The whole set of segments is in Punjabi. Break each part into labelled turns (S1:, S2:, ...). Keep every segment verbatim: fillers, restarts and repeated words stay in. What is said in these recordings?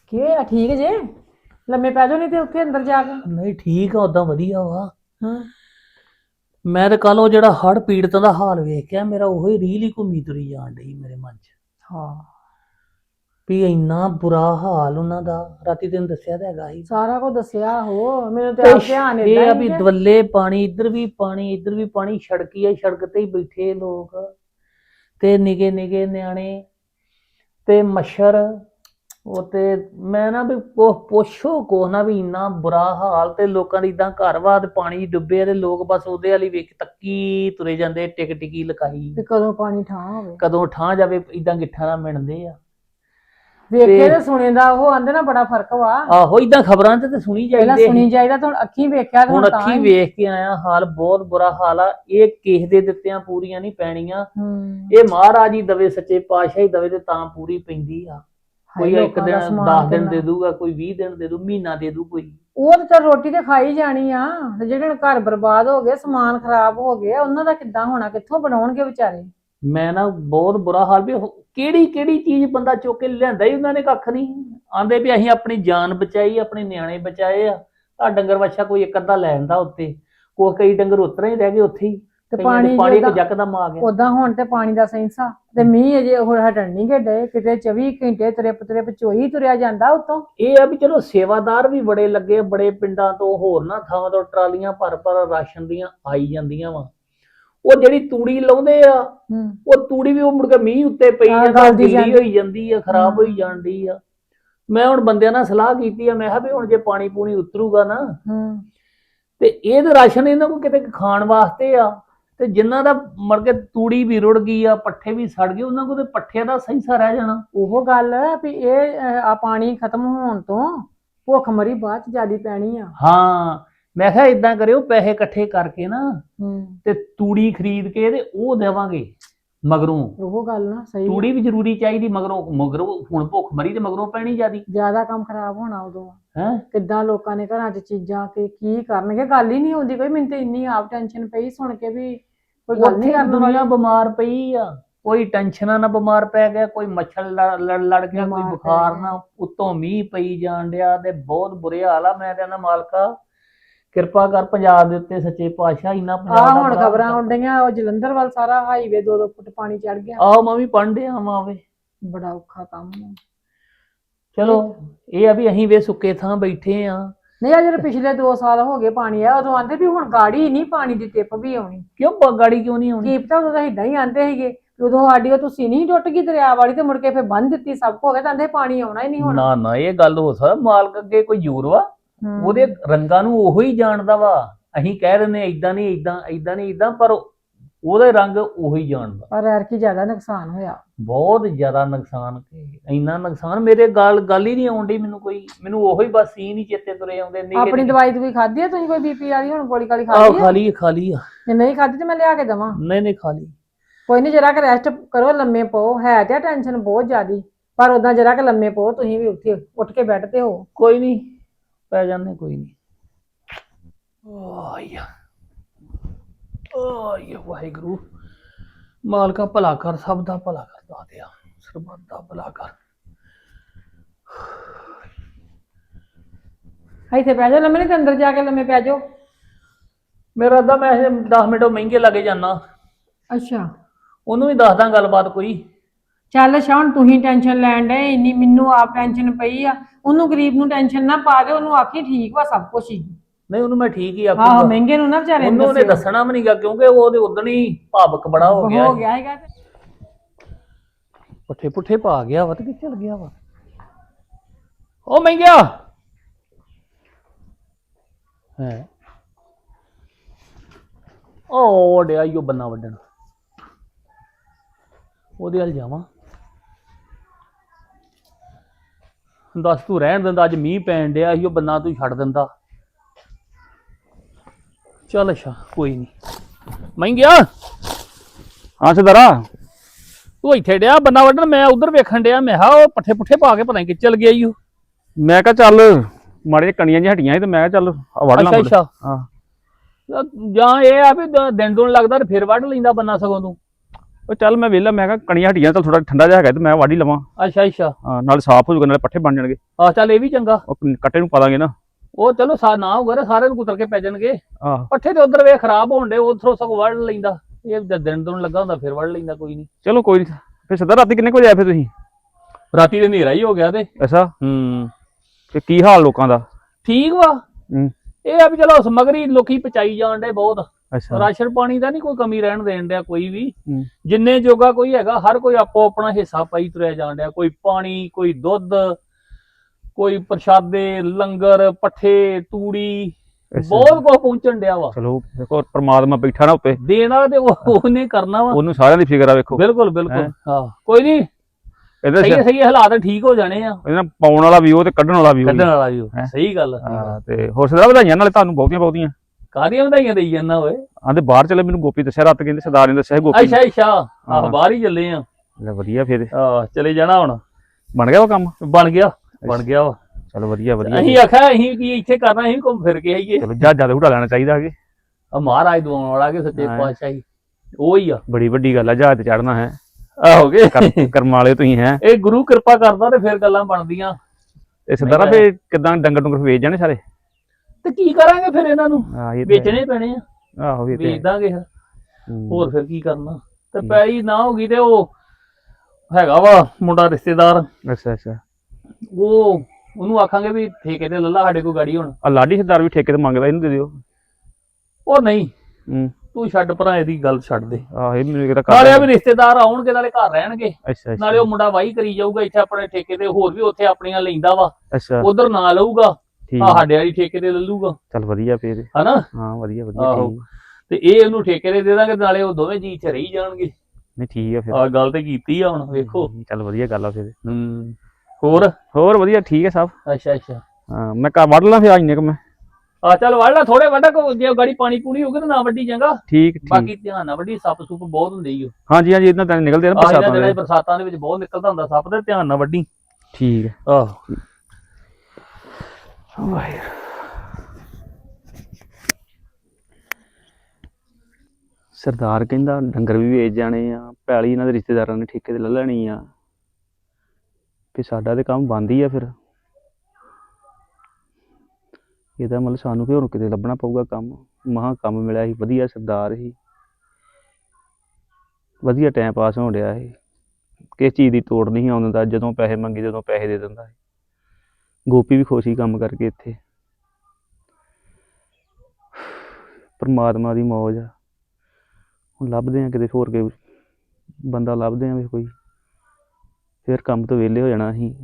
S1: ਕੀ ਆ ਠੀਕ ਜੇ ਲੰਮੇ ਪੈ ਜਾਓ ਨਹੀਂ ਤੇ ਉੱਥੇ ਅੰਦਰ ਜਾ ਕੇ।
S2: ਨਹੀਂ ਠੀਕ ਆ ਉਦਾਂ ਵਧੀਆ ਵਾ।
S1: ਹਾਂ
S2: ਮੈਂ ਤੇ ਕੱਲ ਉਹ ਜਿਹੜਾ ਹੜ੍ਹ ਪੀੜਤਾਂ ਦਾ ਹਾਲ ਵੇਖਿਆ ਮੇਰਾ ਉਹੀ ਰੀਲ ਹੀ ਘੁੰਮੀ ਤੁਰੀ ਜਾਣ ਡਈ ਮੇਰੇ ਮਨ 'ਚ
S1: ਹਾਂ
S2: ਵੀ ਇੰਨਾ ਬੁਰਾ ਹਾਲ ਉਹਨਾਂ ਦਾ। ਰਾਤੀ ਤੈਨੂੰ ਦੱਸਿਆ ਤਾਂ ਹੈਗਾ ਸੀ।
S1: ਸਾਰਾ ਕੁਝ ਦੱਸਿਆ ਹੋ ਮੈਨੂੰ ਤੇ
S2: ਤੇ
S1: ਆਪ ਧਿਆਨ
S2: ਇਹ
S1: ਏਦਾਂ
S2: ਆ
S1: ਹੀ
S2: ਵੀ
S1: ਕਿ
S2: ਦਵੱਲੇ ਪਾਣੀ ਇੱਧਰ ਵੀ ਪਾਣੀ ਇੱਧਰ ਵੀ ਪਾਣੀ ਸੜਕੀ ਆ ਸੜਕ ਤੇ ਹੀ ਬੈਠੇ ਲੋਕ ਤੇ ਨਿੱਕੇ ਨਿੱਕੇ ਨਿਆਣੇ ਤੇ ਮੱਛਰ ਉਹ ਤੇ ਮੈਂ ਨਾ ਵੀ ਉਹ ਪੁੱਛੋ ਕੋ ਨਾ ਵੀ ਇੰਨਾ ਬੁਰਾ ਹਾਲ ਤੇ ਲੋਕਾਂ ਦੀ ਇਦਾਂ ਘਰ ਬਾਰ ਪਾਣੀ ਡੁੱਬੇ ਤੇ ਲੋਕ ਬਸ ਉਹਦੇ ਵਾਲੀ ਵੇਖ ਤੱਕੀ ਤੁਰੇ ਜਾਂਦੇ ਟਿਕ ਟਿਕੀ ਲਕਾਈ
S1: ਵੀ ਕਦੋਂ ਪਾਣੀ ਠਾਂ ਹੋਵੇ
S2: ਕਦੋਂ ਠਾਂ ਜਾਵੇ ਇਦਾਂ ਗਿੱਠਾਂ ਨਾਲ ਮਿਣਦੇ ਆ।
S1: ਵੇਖੇ ਤੇ ਸੁਣੇ ਦਾ ਉਹ ਆਂਦੇ ਨਾ ਬੜਾ ਫਰਕ ਵਾ।
S2: ਆਹੋ ਇਦਾਂ ਖਬਰਾਂ ਤੇ ਤੇ ਸੁਣੀ
S1: ਪਹਿਲਾਂ
S2: ਜਾਂਦੇ
S1: ਸੁਣੀ ਜਾਈਦਾ ਤਾਂ ਹੁਣ ਅੱਖੀਂ ਵੇਖਿਆ ਤੇ
S2: ਹੁਣ
S1: ਹੁਣ ਤਾਂ
S2: ਅੱਖੀਂ
S1: ਹੀ।
S2: ਵੇਖ ਕੇ ਆਇਆ ਹਾਲ ਬਹੁਤ ਬੁਰਾ ਹਾਲ ਆ। ਇਹ ਕਿਸੇ ਦੇ ਦਿੱਤਿਆਂ ਪੂਰੀਆਂ ਨਹੀਂ ਪੈਣੀਆਂ।
S1: ਹੂੰ
S2: ਇਹ ਮਹਾਰਾਜ ਹੀ ਦਵੇ ਸੱਚੇ ਪਾਤਸ਼ਾਹ ਹੀ ਦਵੇ ਤੇ ਤਾਂ ਪੂਰੀ ਪੈਂਦੀ ਆ। ਕੋਈ ਇੱਕ ਦਿਨ ਦਸ ਦਿਨ ਦੇ ਦੂਗਾ ਕੋਈ ਵੀਹ ਦਿਨ ਦੇ ਦੂ ਮਹੀਨਾ ਦੇ ਦੂ ਕੋਈ।
S1: ਉਹ ਤਾਂ ਚੱਲ ਰੋਟੀ ਤੇ ਖਾਈ ਜਾਣੀ ਆ ਤੇ ਜਿਹੜੇ ਘਰ ਬਰਬਾਦ ਹੋ ਗਏ ਸਮਾਨ ਖਰਾਬ ਹੋ ਗਿਆ ਉਹਨਾਂ ਦਾ ਕਿੱਦਾਂ ਹੋਣਾ ਕਿੱਥੋਂ ਬਣਾਉਣਗੇ ਵਿਚਾਰੇ।
S2: ਮੈਂ ਨਾ ਬਹੁਤ ਬੁਰਾ ਹਾਲ ਵੀ ਕਿਹੜੀ ਕਿਹੜੀ ਚੀਜ਼ ਬੰਦਾ ਚੁੱਕ ਕੇ ਲਿਆਂਦਾ ਹੀ ਉਹਨਾਂ ਨੇ ਕੱਖ ਨਹੀਂ ਆਂਦੇ ਵੀ ਅਸੀਂ ਆਪਣੀ ਜਾਨ ਬਚਾਈ ਆਪਣੇ ਨਿਆਣੇ ਬਚਾਏ ਆ। ਆ ਡੰਗਰ ਵੱਛਾ ਕੋਈ ਇੱਕ ਅੱਧਾ ਲੈ ਜਾਂਦਾ ਉੱਤੇ ਕੋਈ ਕਈ ਡੰਗਰ ਉਤਰਾ ਹੀ ਰਹਿ ਗਏ ਉੱਥੇ ਹੀ
S1: ਤੇ ਪਾਣੀ
S2: ਪਾਣੀ ਇੱਕ ਜੱਕਦਮ ਆ ਗਿਆ।
S1: ਉਦਾਂ ਹੁਣ ਤੇ ਪਾਣੀ ਦਾ ਸੈਂਸਾ ਤੇ ਮੀਂਹ ਅਜੇ ਉਹ ਹਟਣ ਨਹੀਂ ਗੇ ਡੇ ਕਿਤੇ ਚੌਵੀ ਘੰਟੇ ਤ੍ਰਿਪ ਤ੍ਰਿਪ ਚੋਈ ਤੁਰਿਆ ਜਾਂਦਾ ਉਤੋਂ।
S2: ਇਹ ਆ ਵੀ ਚਲੋ ਸੇਵਾਦਾਰ ਵੀ ਬੜੇ ਲੱਗੇ ਬੜੇ ਪਿੰਡਾਂ ਤੋਂ ਹੋਰ ਨਾ ਥਾਵਾਂ ਤੋਂ ਟਰਾਲੀਆਂ ਭਰ ਭਰ ਰਾਸ਼ਨ ਦੀਆਂ ਆਈ ਜਾਂਦੀਆਂ ਵਾ। ਉਹ ਜਿਹੜੀ ਤੂੜੀ ਲਾਉਂਦੇ ਆ ਉਹ ਤੂੜੀ ਵੀ ਉਹ ਮੁੜ ਕੇ ਮੀਂਹ ਉੱਤੇ ਪਈ ਜਾਂਦਾ ਗਿੱਲੀ ਹੋਈ ਜਾਂਦੀ ਆ ਖਰਾਬ ਹੋਈ ਜਾਂਦੀ ਆ। ਮੈਂ ਹੁਣ ਬੰਦਿਆਂ ਨਾਲ ਸਲਾਹ ਕੀਤੀ ਆ ਮੈਂ ਕਿਹਾ ਵੀ ਹੁਣ ਜੇ ਪਾਣੀ ਪੂਣੀ ਉਤਰੂਗਾ ਨਾ ਤੇ ਇਹ ਤਾਂ ਰਾਸ਼ਨ ਇਹਨਾਂ ਕੋਲ ਕਿਤੇ ਖਾਣ ਵਾਸਤੇ ਆ ਤੇ ਜਿਨ੍ਹਾਂ ਦਾ ਮੜ ਕੇ ਤੂੜੀ ਵੀ ਰੁੜ ਗਈ ਆ ਪੱਠੇ ਵੀ ਸੜ ਗਏ ਉਹਨਾਂ ਕੋਲ ਤੇ ਪੱਠਿਆਂ ਦਾ ਸਹੀ ਸਾ ਰਹਿ ਜਾਣਾ।
S1: ਉਹ ਗੱਲ ਵੀ ਇਹ ਆ ਪਾਣੀ ਖਤਮ ਹੋਣ ਤੋਂ ਭੁੱਖ ਮਰੀ ਬਾਅਦ ਚ ਜਿਆਦੀ ਪੈਣੀ ਆ।
S2: ਹਾਂ ਮੈਂ ਕਿਹਾ ਇਦਾਂ ਕਰਿਓ ਪੈਸੇ ਇਕੱਠੇ ਕਰਕੇ ਨਾ
S1: ਹੂੰ
S2: ਤੇ ਤੂੜੀ ਖਰੀਦ ਕੇ ਤੇ ਉਹ ਦੇਵਾਂਗੇ ਮਗਰੋਂ।
S1: ਉਹ ਗੱਲ ਨਾ ਸਹੀ
S2: ਤੂੜੀ ਵੀ ਜ਼ਰੂਰੀ ਚਾਹੀਦੀ ਮਗਰੋਂ ਮਗਰੋਂ ਹੁਣ ਭੁੱਖ ਮਰੀ ਤੇ ਮਗਰੋਂ ਪੈਣੀ ਜਿਆਦੀ
S1: ਜਿਆਦਾ ਕੰਮ ਖਰਾਬ ਹੋਣਾ ਉਦੋਂ।
S2: ਹੈ
S1: ਕਿੱਦਾਂ ਲੋਕਾਂ ਨੇ ਘਰਾਂ 'ਚ ਚੀਜ਼ਾਂ ਕਿ ਕੀ ਕਰਨਗੇ ਗੱਲ ਹੀ ਨਹੀਂ ਆਉਂਦੀ ਕੋਈ। ਮੈਨੂੰ ਤੇ ਇੰਨੀ ਆਪ ਟੈਨਸ਼ਨ ਪਈ ਸੁਣ ਕੇ ਵੀ ਕੋਈ ਗੱਲ ਨਹੀਂ ਕਰਨ
S2: ਦੁਨੀਆ ਬਿਮਾਰ ਪਈ ਆ। ਕੋਈ ਟੈਨਸ਼ਨਾਂ ਨਾਲ ਬਿਮਾਰ ਪੈ ਗਿਆ ਕੋਈ ਮੱਛਰ ਲੜ ਲੜ ਗਿਆ ਕੋਈ ਬੁਖਾਰ ਨਾਲ ਉੱਤੋਂ ਮੀਂਹ ਪਈ ਜਾਣ ਡਿਆ ਤੇ ਬਹੁਤ ਬੁਰੇ ਹਾਲ ਆ। ਮੈਂ ਕਹਿੰਦਾ ਮਾਲਕਾ ਕਿਰਪਾ ਕਰ ਪੰਜਾਬ ਦੇ ਉੱਤੇ ਸੱਚੇ ਪਾਤਸ਼ਾਹ ਇੰਨਾ
S1: ਆ ਹੁਣ ਖਬਰਾਂ ਆਉਂਦੀਆਂ ਉਹ ਜਲੰਧਰ ਵੱਲ ਸਾਰਾ ਹਾਈਵੇ ਦੋ ਦੋ ਫੁੱਟ ਪਾਣੀ ਚੜ ਗਿਆ।
S2: ਆਹੋ ਮੈਂ ਵੀ ਪੜ੍ਹਨ ਡਿਆ ਵਾਂ ਵੇ
S1: ਬੜਾ ਔਖਾ ਕੰਮ ਹੈ।
S2: ਚਲੋ ਇਹ ਆ ਵੀ ਅਸੀਂ ਵੇ ਸੁੱਕੇ ਥਾਂ ਬੈਠੇ ਆ।
S1: ਨਹੀਂ ਆ ਜਿਹੜੇ ਪਿਛਲੇ ਦੋ ਸਾਲ ਹੋ ਗਏ ਪਾਣੀ ਆ ਉਦੋਂ ਆਂਦੇ ਵੀ ਹੁਣ ਗਾੜੀ ਨਹੀਂ ਪਾਣੀ ਦੀ ਟਿੱਪ ਵੀ ਆਉਣੀ।
S2: ਕਿਉਂ ਗਾੜੀ ਕਿਉਂ ਨਹੀਂ ਆਉਣੀ?
S1: ਕੀ ਪਤਾ ਉਦੋਂ ਤਾਂ ਏਦਾਂ ਹੀ ਆਂਦੇ ਸੀਗੇ ਉਦੋਂ ਸਾਡੀ ਉਹ ਤੁਸੀਂ ਨਹੀਂ ਟੁੱਟ ਗਈ ਦਰਿਆ ਵਾਲੀ ਤੇ ਮੁੜ ਕੇ ਫਿਰ ਬੰਨ ਦਿੱਤੀ ਸਭ ਹੋ ਗਿਆ ਤਾਂ ਆਂਦੇ ਪਾਣੀ ਆਉਣਾ ਹੀ ਨਹੀਂ ਹੁਣ।
S2: ਨਾ ਨਾ ਇਹ ਗੱਲ ਹੋ ਸਕਦਾ ਮਾਲਕ ਅੱਗੇ ਕੋਈ ਜ਼ੋਰ ਵਾ ਉਹਦੇ ਰੰਗਾਂ ਨੂੰ ਉਹੋ ਹੀ ਜਾਣਦਾ ਵਾ। ਅਸੀਂ ਕਹਿ ਦਿੰਦੇ ਏਦਾਂ ਨਹੀਂ ਏਦਾਂ ਏਦਾਂ ਨਹੀਂ ਏਦਾਂ ਪਰ ਉਹਦੇ ਰੰਗ ਉਹੀ ਜਾਣਦਾ।
S1: ਪਰ ਐਰਕੀ ਜ਼ਿਆਦਾ ਨੁਕਸਾਨ ਹੋਇਆ
S2: ਬਹੁਤ ਜ਼ਿਆਦਾ ਨੁਕਸਾਨ ਇੰਨਾ ਨੁਕਸਾਨ ਮੇਰੇ ਗੱਲ ਗੱਲ ਹੀ ਨਹੀਂ ਆਉਂਦੀ ਮੈਨੂੰ ਕੋਈ ਮੈਨੂੰ ਉਹੀ ਬਸ ਸੀ ਨਹੀਂ ਚੇਤੇ ਤੁਰੇ ਆਉਂਦੇ।
S1: ਆਪਣੀ ਦਵਾਈ ਦਵਾਈ ਖਾਧੀ ਆ ਤੁਸੀਂ ਕੋਈ ਬੀਪੀ ਵਾਲੀ ਹੁਣ ਗੋਲੀ ਕਾਲੀ
S2: ਖਾ ਲਈ? ਖਾ ਲਈ ਖਾ ਲਈ ਆ।
S1: ਜੇ ਨਹੀਂ ਖਾਧੀ ਤੇ ਮੈਂ ਲਿਆ ਕੇ ਦੇਵਾਂ?
S2: ਨਹੀਂ ਨਹੀਂ ਖਾ ਲਈ।
S1: ਕੋਈ ਨਹੀਂ ਜਰਾ ਕਿ ਰੈਸਟ ਕਰੋ ਲੰਮੇ ਪਾਓ ਹੈ ਤੇ ਟੈਨਸ਼ਨ ਬਹੁਤ ਜ਼ਿਆਦੀ ਪਰ ਉਦਾਂ ਜਰਾ ਕਿ ਲੰਮੇ ਪਾਓ ਤੁਸੀਂ ਵੀ ਉੱਥੇ ਉੱਠ ਕੇ ਬੈੱਡ ਤੇ ਹੋ।
S2: ਕੋਈ ਨਹੀਂ ਪੈ ਜਾਂਦੇ ਕੋਈ ਨਹੀਂ। ਆਇਆ ਆਇਆ ਵਾਹਿਗੁਰੂ ਮਾਲਕਾ ਭਲਾ ਕਰ ਸਭ ਦਾ ਭਲਾ ਕਰ ਦਾਤਿਆ ਸਰਬੱਤ ਦਾ ਭਲਾ ਕਰ।
S1: ਇੱਥੇ ਪੈ ਜਾਓ ਲੰਮੇ ਨਹੀਂ ਤੇ ਅੰਦਰ ਜਾ ਕੇ ਲੰਮੇ ਪੈ ਜਾਓ।
S2: ਮੇਰਾ ਅੱਧਾ ਮੈਂ ਦਸ ਮਿੰਟ ਮਹਿੰਗੇ ਲੱਗੇ ਜਾਣਾ।
S1: ਅੱਛਾ
S2: ਉਹਨੂੰ ਵੀ ਦੱਸਦਾ ਗੱਲਬਾਤ ਕੋਈ।
S1: ਚੱਲ ਸ਼ਾਨ ਤੁਸੀਂ ਟੈਨਸ਼ਨ ਲੈਣ ਡਏ ਇੰਨੀ ਮੈਨੂੰ ਆਪ ਟੈਨਸ਼ਨ ਪਈ ਆ। ਉਹਨੂੰ ਗਰੀਬ ਨੂੰ ਟੈਨਸ਼ਨ ਨਾ ਪਾ ਦੇ ਉਹਨੂੰ ਆਖੀ ਠੀਕ ਵਾ ਸਭ ਕੁਝ ਹੀ।
S2: ਨਹੀਂ ਉਹਨੂੰ ਮੈਂ ਠੀਕ ਹੀ
S1: ਆਖੂਗਾ। ਆਹੋ ਮਹਿੰਗੇ ਨੂੰ ਨਾ ਵਿਚਾਰੇ
S2: ਨੂੰ ਉਹਨੇ ਦੱਸਣਾ ਵੀ ਨਹੀਂਗਾ ਕਿਉਂਕਿ ਉਹਦੇ ਉਦਣ ਹੀ ਭਾਵਕ ਬੜਾ ਹੋ ਗਿਆ
S1: ਹੋ ਗਿਆ ਹੈਗਾ
S2: ਪੱਠੇ ਪੁੱਠੇ ਪਾ ਗਿਆ ਵਾ ਤੇ ਚੱਲ ਗਿਆ ਵਾ। ਉਹ ਮਹਿੰਗਿਆ ਹੈ ਉਹ ਡਿਆ ਈ ਉਹ ਬੰਨਾ ਵੱਢਣ ਉਹਦੇ ਵੱਲ ਜਾਵਾਂ। ਦੱਸ ਤੂੰ ਰਹਿਣ ਦਿੰਦਾ ਅੱਜ ਮੀਂਹ ਪੈਣ ਡਿਆ ਸੀ ਉਹ ਬੰਨਾ ਤੂੰ ਛੱਡ ਦਿੰਦਾ। ਚੱਲ ਅੱਛਾ ਕੋਈ ਨਹੀਂ ਮਹਿੰਗਿਆ।
S3: ਹਾਂ ਸਰਦਾਰਾ
S2: ਤੂੰ ਇੱਥੇ ਡਿਆ ਬੰਨਾ ਵੱਢਣ ਮੈਂ ਉਧਰ ਵੇਖਣ ਡਿਆ ਮੈਂ ਕਿਹਾ ਉਹ ਪੱਠੇ ਪੁੱਠੇ ਪਾ ਕੇ ਪਤਾ ਨਹੀਂ ਕਿ ਚੱਲ ਗਿਆ ਈ ਉਹ।
S3: ਮੈਂ ਕਿਹਾ ਚੱਲ ਮਾੜੇ ਜਿਹੇ ਕਣੀਆਂ ਜਿਹੀਆਂ ਹਟੀਆਂ ਸੀ ਤੇ ਮੈਂ ਕਿਹਾ ਚੱਲ ਵੜ ਲਾਂ।
S2: ਅੱਛਾ
S3: ਹਾਂ
S2: ਜਾਂ ਇਹ ਆ ਵੀ ਦਿਨ ਦੁਨ ਲੱਗਦਾ ਤੇ ਫਿਰ ਵੱਢ ਲੈਂਦਾ ਬੰਨਾ ਸਗੋਂ ਤੂੰ।
S3: ਉਹ ਚੱਲ ਮੈਂ ਵਿਹਲਾ, ਮੈਂ ਕਿਹਾ ਕਣੀਆਂ ਹਟੀਆਂ ਚੱਲ ਥੋੜਾ ਠੰਡਾ ਜਿਹਾ ਹੈਗਾ ਤੇ ਮੈਂ ਵਾਢੀ ਲਵਾਂ।
S2: ਅੱਛਾ ਅੱਛਾ।
S3: ਹਾਂ ਨਾਲ ਸਾਫ਼ ਹੋ ਜਾਊਗਾ, ਨਾਲੇ ਪੱਠੇ ਬਣ ਜਾਣਗੇ।
S2: ਆ ਚੱਲ ਇਹ ਵੀ ਚੰਗਾ।
S3: ਉਹ ਕੱਟੇ ਨੂੰ ਪਾ ਦਾਂਗੇ ਨਾ।
S2: ਉਹ ਚਲੋ ਸਾ ਨਾ ਹੋਊਗਾ ਨਾ ਸਾਰਿਆਂ ਨੂੰ ਕੁਤਰ ਕੇ ਪੈ ਜਾਣਗੇ।
S3: ਆਹ
S2: ਪੱਠੇ ਤੇ ਉਧਰ ਵੇ ਖਰਾਬ ਹੋਣ ਡੇ, ਉਧਰੋਂ ਸਗੋਂ ਵੜ ਲੈਂਦਾ। ਇਹ ਜਦ ਦਿਨ ਤੋਂ ਲੱਗਾ ਹੁੰਦਾ ਫਿਰ ਵੜ ਲੈਂਦਾ, ਕੋਈ ਨਹੀਂ।
S3: ਚਲੋ ਕੋਈ ਨਹੀਂ। ਫਿਰ ਸਿੱਧਾ ਰਾਤੀ ਕਿੰਨੇ ਕੁ ਵਜੇ ਆਏ ਫਿਰ ਤੁਸੀਂ?
S2: ਰਾਤੀ ਤੇ ਹਨੇਰਾ ਹੀ ਹੋ ਗਿਆ ਤੇ।
S3: ਅੱਛਾ।
S2: ਹੂੰ।
S3: ਤੇ ਕੀ ਹਾਲ ਲੋਕਾਂ ਦਾ?
S2: ਠੀਕ ਵਾ।
S3: ਹੂੰ।
S2: ਇਹ ਆ ਵੀ ਚਲੋ ਸਮਗਰੀ ਲੋਕੀ ਪਚਾਈ ਜਾਣ ਡੇ ਬਹੁਤ।
S3: ਅੱਛਾ।
S2: ਰਾਸ਼ਨ ਪਾਣੀ ਦਾ ਨਹੀਂ ਕੋਈ ਕਮੀ ਰਹਿਣ ਦੇਣ ਡਿਆ ਕੋਈ ਵੀ।
S3: ਹੂੰ।
S2: ਜਿੰਨੇ ਜੋਗਾ ਕੋਈ ਹੈਗਾ, ਹਰ ਕੋਈ ਆਪੋ ਆਪਣਾ ਹਿੱਸਾ ਪਾਈ ਤੁਰਿਆ ਜਾਣ ਡਿਆ। ਕੋਈ ਪਾਣੀ, ਕੋਈ ਦੁੱਧ, ਕੋਈ ਪ੍ਰਸ਼ਾਦੇ, ਲੰਗਰ, ਪੱਠੇ, ਤੂੜੀ, ਬਹੁਤ ਕੁਝ ਪਹੁੰਚਣ ਡਿਆ ਵਾ।
S3: ਚਲੋ ਦੇਖੋ ਪ੍ਰਮਾਤਮਾ ਬੈਠਾ ਨਾ ਉੱਤੇ,
S2: ਦੇਣਾ ਤੇ ਉਹ ਉਹਨੇ ਕਰਨਾ ਵਾ।
S3: ਉਹਨੂੰ ਸਾਰਿਆਂ ਦੀ ਫਿਕਰ ਆ ਵੇਖੋ।
S2: ਬਿਲਕੁਲ ਬਿਲਕੁਲ। ਹਾਂ ਕੋਈ ਨਹੀਂ,
S3: ਇਹਦੇ
S2: ਸਹੀ ਸਹੀ ਹਾਲਾਤ ਠੀਕ ਹੋ ਜਾਣੇ ਆ।
S3: ਇਹਦੇ ਨਾਲ ਪਾਉਣ ਵਾਲਾ ਵੀ ਉਹ ਤੇ ਕੱਢਣ ਵਾਲਾ ਵੀ ਉਹ।
S2: ਕੱਢਣ ਵਾਲਾ ਵੀ ਉਹ। ਸਹੀ ਗੱਲ ਆ।
S3: ਹਾਂ ਤੇ ਹੋਰ ਸਦਾ ਵਧਾਈਆਂ ਨਾਲੇ ਤੁਹਾਨੂੰ ਬਹੁਤੀਆਂ ਬਹੁਤੀਆਂ।
S2: ਕਾਹਦੀਆਂ ਵਧਾਈਆਂ ਦੇਈ ਜਾਂਦਾ ਓਏ?
S3: ਆਂਦੇ ਬਾਹਰ ਚਲੇ, ਮੈਨੂੰ ਗੋਪੀ ਦੱਸਿਆ ਰਾਤ, ਕਹਿੰਦੇ ਸਰਦਾਰ ਨੇ ਦੱਸਿਆ ਗੋਪੀ।
S2: ਅੱਛਾ ਅੱਛਾ। ਆਹ ਬਾਹਰ ਹੀ ਚੱਲੇ ਆ।
S3: ਲੈ ਵਧੀਆ ਫਿਰ।
S2: ਆਹ ਚਲੇ ਜਾਣਾ ਹੁਣ।
S3: ਬਣ ਗਿਆ ਵਾ ਕੰਮ?
S2: ਬਣ ਗਿਆ ਬਣ ਗਿਆ ਵਾ।
S3: ਚਲੋ ਵਧੀਆ ਵਧੀਆ।
S2: ਅਸੀਂ ਆਖਿਆ ਅਸੀਂ ਕੀ ਇੱਥੇ ਕਰਨਾ, ਅਸੀਂ ਘੁੰਮ ਫਿਰ ਕੇ ਆਈਏ।
S3: ਚਲੋ ਜਹਾਜ਼ਾਂ ਤੇ ਉਡਾ ਲੈਣਾ ਚਾਹੀਦਾ ਕਿ
S2: ਆ ਮਹਾਰਾਜ ਦਵਾਉਣ ਵਾਲਾ ਕਿ ਸੱਚੇ ਪਾਤਸ਼ਾਹੀ ਉਹ ਹੀ ਆ।
S3: ਬੜੀ ਵੱਡੀ ਗੱਲ ਆ ਜਹਾਜ਼ ਤੇ ਚੜਨਾ ਹੈ।
S2: ਆਹੋਗੇ
S3: ਕਰਮ ਵਾਲੇ ਤੁਸੀਂ ਹੈ।
S2: ਇਹ ਗੁਰੂ ਕਿਰਪਾ ਕਰਦਾ ਤੇ ਫਿਰ ਗੱਲਾਂ ਬਣਦੀਆਂ।
S3: ਇਹ ਸਰਦਾਰਾ ਫਿਰ ਕਿਦਾਂ ਡੰਗਰ ਡੰਗਰ ਵੇਚ ਜਾਣੇ ਸਾਰੇ?
S2: ਤੇ ਕੀ ਕਰਾਂਗੇ ਫਿਰ ਇਹਨਾਂ ਨੂੰ?
S3: ਹਾਂ ਇਹ
S2: ਵੇਚਣੇ ਪੈਣੇ ਆ।
S3: ਆਹੋ ਵੇਚ
S2: ਦਾਂਗੇ ਹੋਰ ਫਿਰ ਕੀ ਕਰਨਾ। ਤੇ ਪੈਲੀ ਨਾ ਹੋ ਗਈ ਤੇ ਉਹ ਹੈਗਾ ਵਾ ਮੁੰਡਾ ਰਿਸ਼ਤੇਦਾਰ।
S3: ਅੱਛਾ ਅੱਛਾ।
S2: ਉਹ ਉਹਨੂੰ ਆਖਾਂਗੇ ਵੀ ਠੇਕੇ ਤੇ ਲੱਲਾ ਸਾਡੇ ਕੋਲ ਗਾੜੀ ਹੁਣ।
S3: ਆ ਲਾਡੀ ਸਰਦਾਰ ਵੀ ਠੇਕੇ ਤੇ ਮੰਗਦਾ, ਇਹਨੂੰ ਦੇ ਦਿਓ।
S2: ਉਹ ਨਹੀਂ
S3: ਹੂੰ।
S2: ਤੂੰ ਛੱਡ ਭਰਾ, ਇਹਦੀ ਗੱਲ ਛੱਡ ਦੇ।
S3: ਆਹ ਇਹ ਮੈਨੂੰ ਕਿਹਦਾ
S2: ਨਾਲੇ ਆ ਵੀ ਰਿਸ਼ਤੇਦਾਰ ਆਉਣਗੇ, ਨਾਲੇ ਘਰ ਰਹਿਣਗੇ।
S3: ਅੱਛਾ ਅੱਛਾ।
S2: ਨਾਲੇ ਉਹ ਮੁੰਡਾ ਵਾਹੀ ਕਰੀ ਜਾਊਗਾ ਇੱਥੇ ਆਪਣੇ ਠੇਕੇ ਤੇ, ਹੋਰ ਵੀ ਉੱਥੇ ਆਪਣੀਆਂ ਲੈਂਦਾ ਵਾ।
S3: ਅੱਛਾ।
S2: ਉਧਰ ਨਾ ਲਊਗਾ,
S3: ਠੀਕ
S2: ਆ ਸਾਡੇ ਵਾਲੀ ਠੇਕੇ ਤੇ ਲੈ ਲੂਗਾ।
S3: ਚੱਲ ਵਧੀਆ ਫੇਰ
S2: ਹਨਾ।
S3: ਹਾਂ ਵਧੀਆ ਵਧੀਆ।
S2: ਆਹੋ ਤੇ ਇਹ ਉਹਨੂੰ ਠੇਕੇ ਤੇ ਦੇ ਦਾਂਗੇ, ਨਾਲੇ ਉਹ ਦੋਵੇਂ ਜੀ ਇੱਥੇ ਰਹੀ ਜਾਣਗੇ।
S3: ਨਹੀਂ ਠੀਕ ਆ ਫਿਰ।
S2: ਆਹ ਗੱਲ ਤੇ ਕੀਤੀ ਆ ਹੁਣ ਵੇਖੋ।
S3: ਚੱਲ ਵਧੀਆ ਗੱਲ ਆ ਫਿਰ।
S2: ਹੂੰ। ਹੋਰ
S3: ਹੋਰ ਵਧੀਆ ਠੀਕ ਹੈ ਸਭ।
S2: ਅੱਛਾ ਅੱਛਾ।
S3: ਹਾਂ ਮੈਂ ਕਾ ਵੱਢ ਲਾਂ ਫਿਰ ਆਈਨੇ ਕ ਮੈਂ।
S2: ਆ ਚੱਲ ਵੜ ਲੈ ਥੋੜੇ ਵੱਡਾ ਕੋ, ਜੇ ਗਾੜੀ ਪਾਣੀ ਪੂਣੀ ਹੋਊਗੀ ਤਾਂ ਨਾ ਵੱਡੀ ਚੰਗਾ।
S3: ਠੀਕ ਠੀਕ।
S2: ਬਾਕੀ ਧਿਆਨ ਨਾਲ ਵੱਡੀ, ਸੱਪ ਸੁੱਪ ਬਹੁਤ ਹੁੰਦੇ ਈ ਓ।
S3: ਹਾਂਜੀ ਹਾਂਜੀ ਇਦਾਂ ਤਾਂ ਨਿਕਲਦੇ ਆ ਨਾ
S2: ਬਰਸਾਤਾਂ
S3: ਬਰਸਾਤਾਂ
S2: ਦੇ
S3: ਦੇ।
S2: ਬਰਸਾਤਾਂ ਦੇ ਵਿੱਚ ਬਹੁਤ ਨਿਕਲਦਾ ਹੁੰਦਾ ਸੱਪ, ਤੇ ਧਿਆਨ ਨਾਲ ਵੱਡੀ।
S3: ਠੀਕ ਹੈ।
S2: ਆਹੋ।
S3: ਸਰਦਾਰ ਕਹਿੰਦਾ ਡੰਗਰ ਵੀ ਵੇਚ ਜਾਣੇ ਆ, ਪੈਲੀ ਇਹਨਾਂ ਦੇ ਰਿਸ਼ਤੇਦਾਰਾਂ ਨੇ ਠੇਕੇ ਤੇ ਲੈ ਲੈਣੀ ਆ, ਵੀ ਸਾਡਾ ਤੇ ਕੰਮ ਬੰਦ ਹੀ ਆ ਫਿਰ। ਇਹਦਾ ਮਤਲਬ ਸਾਨੂੰ ਵੀ ਹੁਣ ਕਿਤੇ ਲੱਭਣਾ ਪਊਗਾ ਕੰਮ। ਮਹਾਂ ਕੰਮ ਮਿਲਿਆ ਸੀ, ਵਧੀਆ ਸਰਦਾਰ ਸੀ, ਵਧੀਆ ਟਾਈਮ ਪਾਸ ਹੋਣ ਡਿਆ ਸੀ, ਕਿਸੇ ਚੀਜ਼ ਦੀ ਤੋੜ ਨਹੀਂ ਆਉਣ ਦਿੰਦਾ। ਜਦੋਂ ਪੈਸੇ ਮੰਗੀ ਜਦੋਂ ਪੈਸੇ ਦੇ ਦਿੰਦਾ। ਗੋਪੀ ਵੀ ਖੁਸ਼ ਸੀ ਕੰਮ ਕਰਕੇ ਇੱਥੇ। ਪਰਮਾਤਮਾ ਦੀ ਮੌਜ ਆ। ਹੁਣ ਲੱਭਦੇ ਆ ਕਿਤੇ ਹੋਰ ਕੋਈ ਬੰਦਾ, ਲੱਭਦੇ ਆ ਵੀ ਕੋਈ, ਫਿਰ ਕੰਮ ਤੋਂ ਵਿਹਲੇ ਹੋ ਜਾਣਾ ਅਸੀਂ।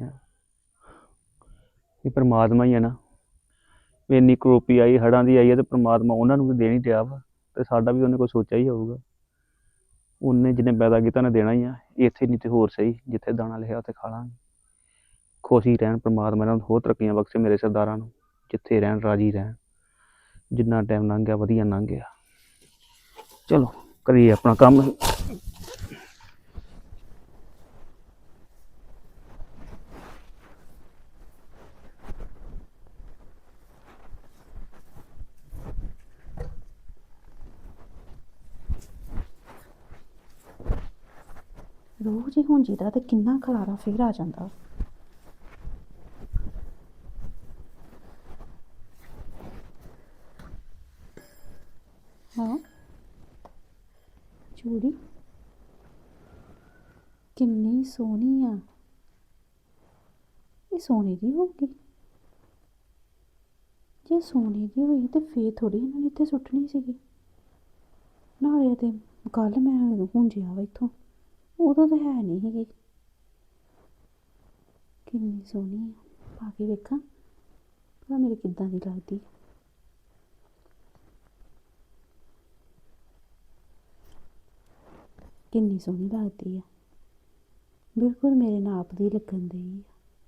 S3: ਇਹ ਪਰਮਾਤਮਾ ਹੀ ਆ ਨਾ, ਇੰਨੀ ਕਰੋਪੀ ਆਈ, ਹੜ੍ਹਾਂ ਦੀ ਆਈ ਹੈ, ਤੇ ਪਰਮਾਤਮਾ ਉਹਨਾਂ ਨੂੰ ਵੀ ਦੇਣ ਹੀ ਡਿਆ ਵਾ, ਤੇ ਸਾਡਾ ਵੀ ਉਹਨੇ ਕੋਈ ਸੋਚਿਆ ਹੀ ਹੋਊਗਾ। ਉਹਨੇ ਜਿਹਨੇ ਪੈਦਾ ਕੀਤਾ ਉਹਨੇ ਦੇਣਾ ਹੀ ਆ। ਇੱਥੇ ਨਹੀਂ ਤੇ ਹੋਰ ਸਹੀ, ਜਿੱਥੇ ਦਾਣਾ ਲਿਖਿਆ ਉੱਥੇ ਖਾ ਲਾਂਗੇ। ਖੁਸ਼ ਹੀ ਰਹਿਣ ਪਰਮਾਤਮਾ, ਇਹਨਾਂ ਨੂੰ ਹੋਰ ਤਰੱਕੀਆਂ ਬਖਸ਼ੇ ਮੇਰੇ ਸਰਦਾਰਾਂ ਨੂੰ, ਜਿੱਥੇ ਰਹਿਣ ਰਾਜੀ ਰਹਿਣ। ਜਿੰਨਾ ਟਾਈਮ ਲੰਘ ਗਿਆ ਵਧੀਆ ਲੰਘ ਗਿਆ। ਚਲੋ ਕਰੀਏ ਆਪਣਾ ਕੰਮ।
S4: ਰੋਜ਼ ਹੀ ਹੁਣ ਜਿਹਦਾ ਤੇ ਕਿੰਨਾ ਖਲਾਰਾ ਫੇਰ ਆ ਜਾਂਦਾ। ਹਾਂ ਚੂੜੀ ਕਿੰਨੀ ਸੋਹਣੀ ਆ। ਇਹ ਸੋਨੇ ਦੀ ਹੋਊਗੀ? ਜੇ ਸੋਨੇ ਦੀ ਹੋਈ ਤੇ ਫੇਰ ਥੋੜੀ ਇਹਨਾਂ ਨੇ ਇੱਥੇ ਸੁੱਟਣੀ ਸੀਗੀ। ਨਾਲੇ ਤੇ ਕੱਲ ਮੈਂ ਹੁੰਜਿਆ ਵਾ ਇੱਥੋਂ, ਉਦੋਂ ਤਾਂ ਹੈ ਨਹੀਂ ਸੀਗੀ। ਕਿੰਨੀ ਸੋਹਣੀ ਆ, ਪਾ ਕੇ ਵੇਖਾਂ ਭਲਾ ਮੇਰੇ ਕਿੱਦਾਂ ਦੀ ਲੱਗਦੀ। ਕਿੰਨੀ ਸੋਹਣੀ ਲੱਗਦੀ ਆ, ਬਿਲਕੁਲ ਮੇਰੇ ਨਾਪ ਦੀ ਲੱਗਣ ਦੀ ਆ।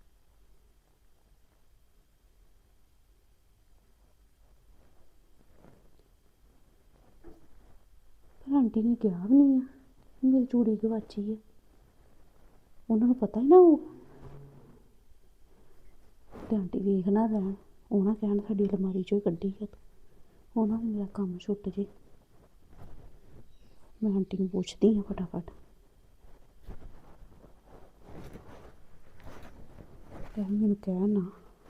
S4: ਪਰ ਆਂਟੀ ਨੇ ਕਿਹਾ ਵੀ ਨਹੀਂ ਆ ਮੇਰੀ ਚੂੜੀ ਗਵਾਚੀ ਹੈ। ਉਹਨਾਂ ਨੂੰ ਪਤਾ ਹੀ ਨਾ ਉਹ, ਤੇ ਆਂਟੀ ਵੇਖ ਨਾ ਰਹਿਣ, ਉਹ ਨਾ ਕਹਿਣ ਸਾਡੀ ਅਲਮਾਰੀ ਚੋਂ ਹੀ ਕੱਢੀ ਹੈ। ਉਹਨਾਂ ਨੂੰ ਮੇਰਾ ਕੰਮ ਛੁੱਟ ਜੇ। ਮੈਂ ਆਂਟੀ ਨੂੰ ਪੁੱਛਦੀ ਹਾਂ ਫਟਾਫਟ। ਲੈ ਮੈਨੂੰ ਕਹਿ ਨਾ।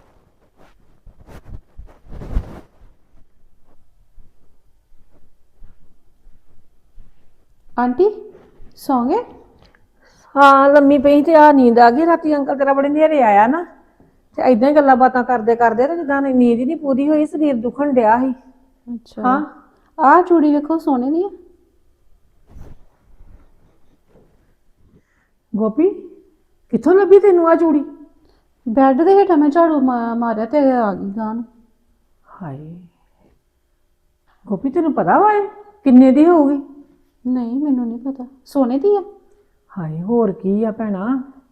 S4: ਆਂਟੀ ਸੌਂ ਗਏ?
S1: ਹਾਂ ਲੰਮੀ ਪਈ ਤੇ ਆ ਨੀਂਦ ਆ ਗਈ। ਰਾਤੀ ਅੰਕਲ ਤੇਰਾ ਬੜੇ ਨੇਰੇ ਆਇਆ ਨਾ, ਤੇ ਏਦਾਂ ਹੀ ਗੱਲਾਂ ਬਾਤਾਂ ਕਰਦੇ ਕਰਦੇ ਤੇ ਜਿੱਦਾਂ ਨੀਂਦ ਹੀ ਨਹੀਂ ਪੂਰੀ ਹੋਈ, ਸਰੀਰ ਦੁਖਣ ਡਿਆ ਸੀ।
S4: ਅੱਛਾ
S1: ਹਾਂ
S4: ਆਹ ਚੂੜੀ ਵੇਖੋ ਸੋਨੇ ਦੀ ਆ।
S1: ਗੋਪੀ, ਕਿੱਥੋਂ ਲੱਭੀ ਤੈਨੂੰ ਆ ਚੂੜੀ?
S4: ਬੈੱਡ ਦੇ ਹੇਠਾਂ ਮੈਂ ਝਾੜੂ ਮਾ- ਮਾਰਿਆ ਤੇ ਆ ਗਈ ਗਾਂ ਨੂੰ।
S1: ਹਾਏ ਗੋਪੀ, ਤੈਨੂੰ ਪਤਾ ਵਾ ਇਹ ਕਿੰਨੇ ਦੀ ਹੋਊਗੀ?
S4: ਨਹੀਂ ਮੈਨੂੰ ਨਹੀਂ ਪਤਾ, ਸੋਨੇ ਦੀ ਆ।
S1: ਹਾਏ ਹੋਰ ਕੀ ਆ ਭੈਣਾ,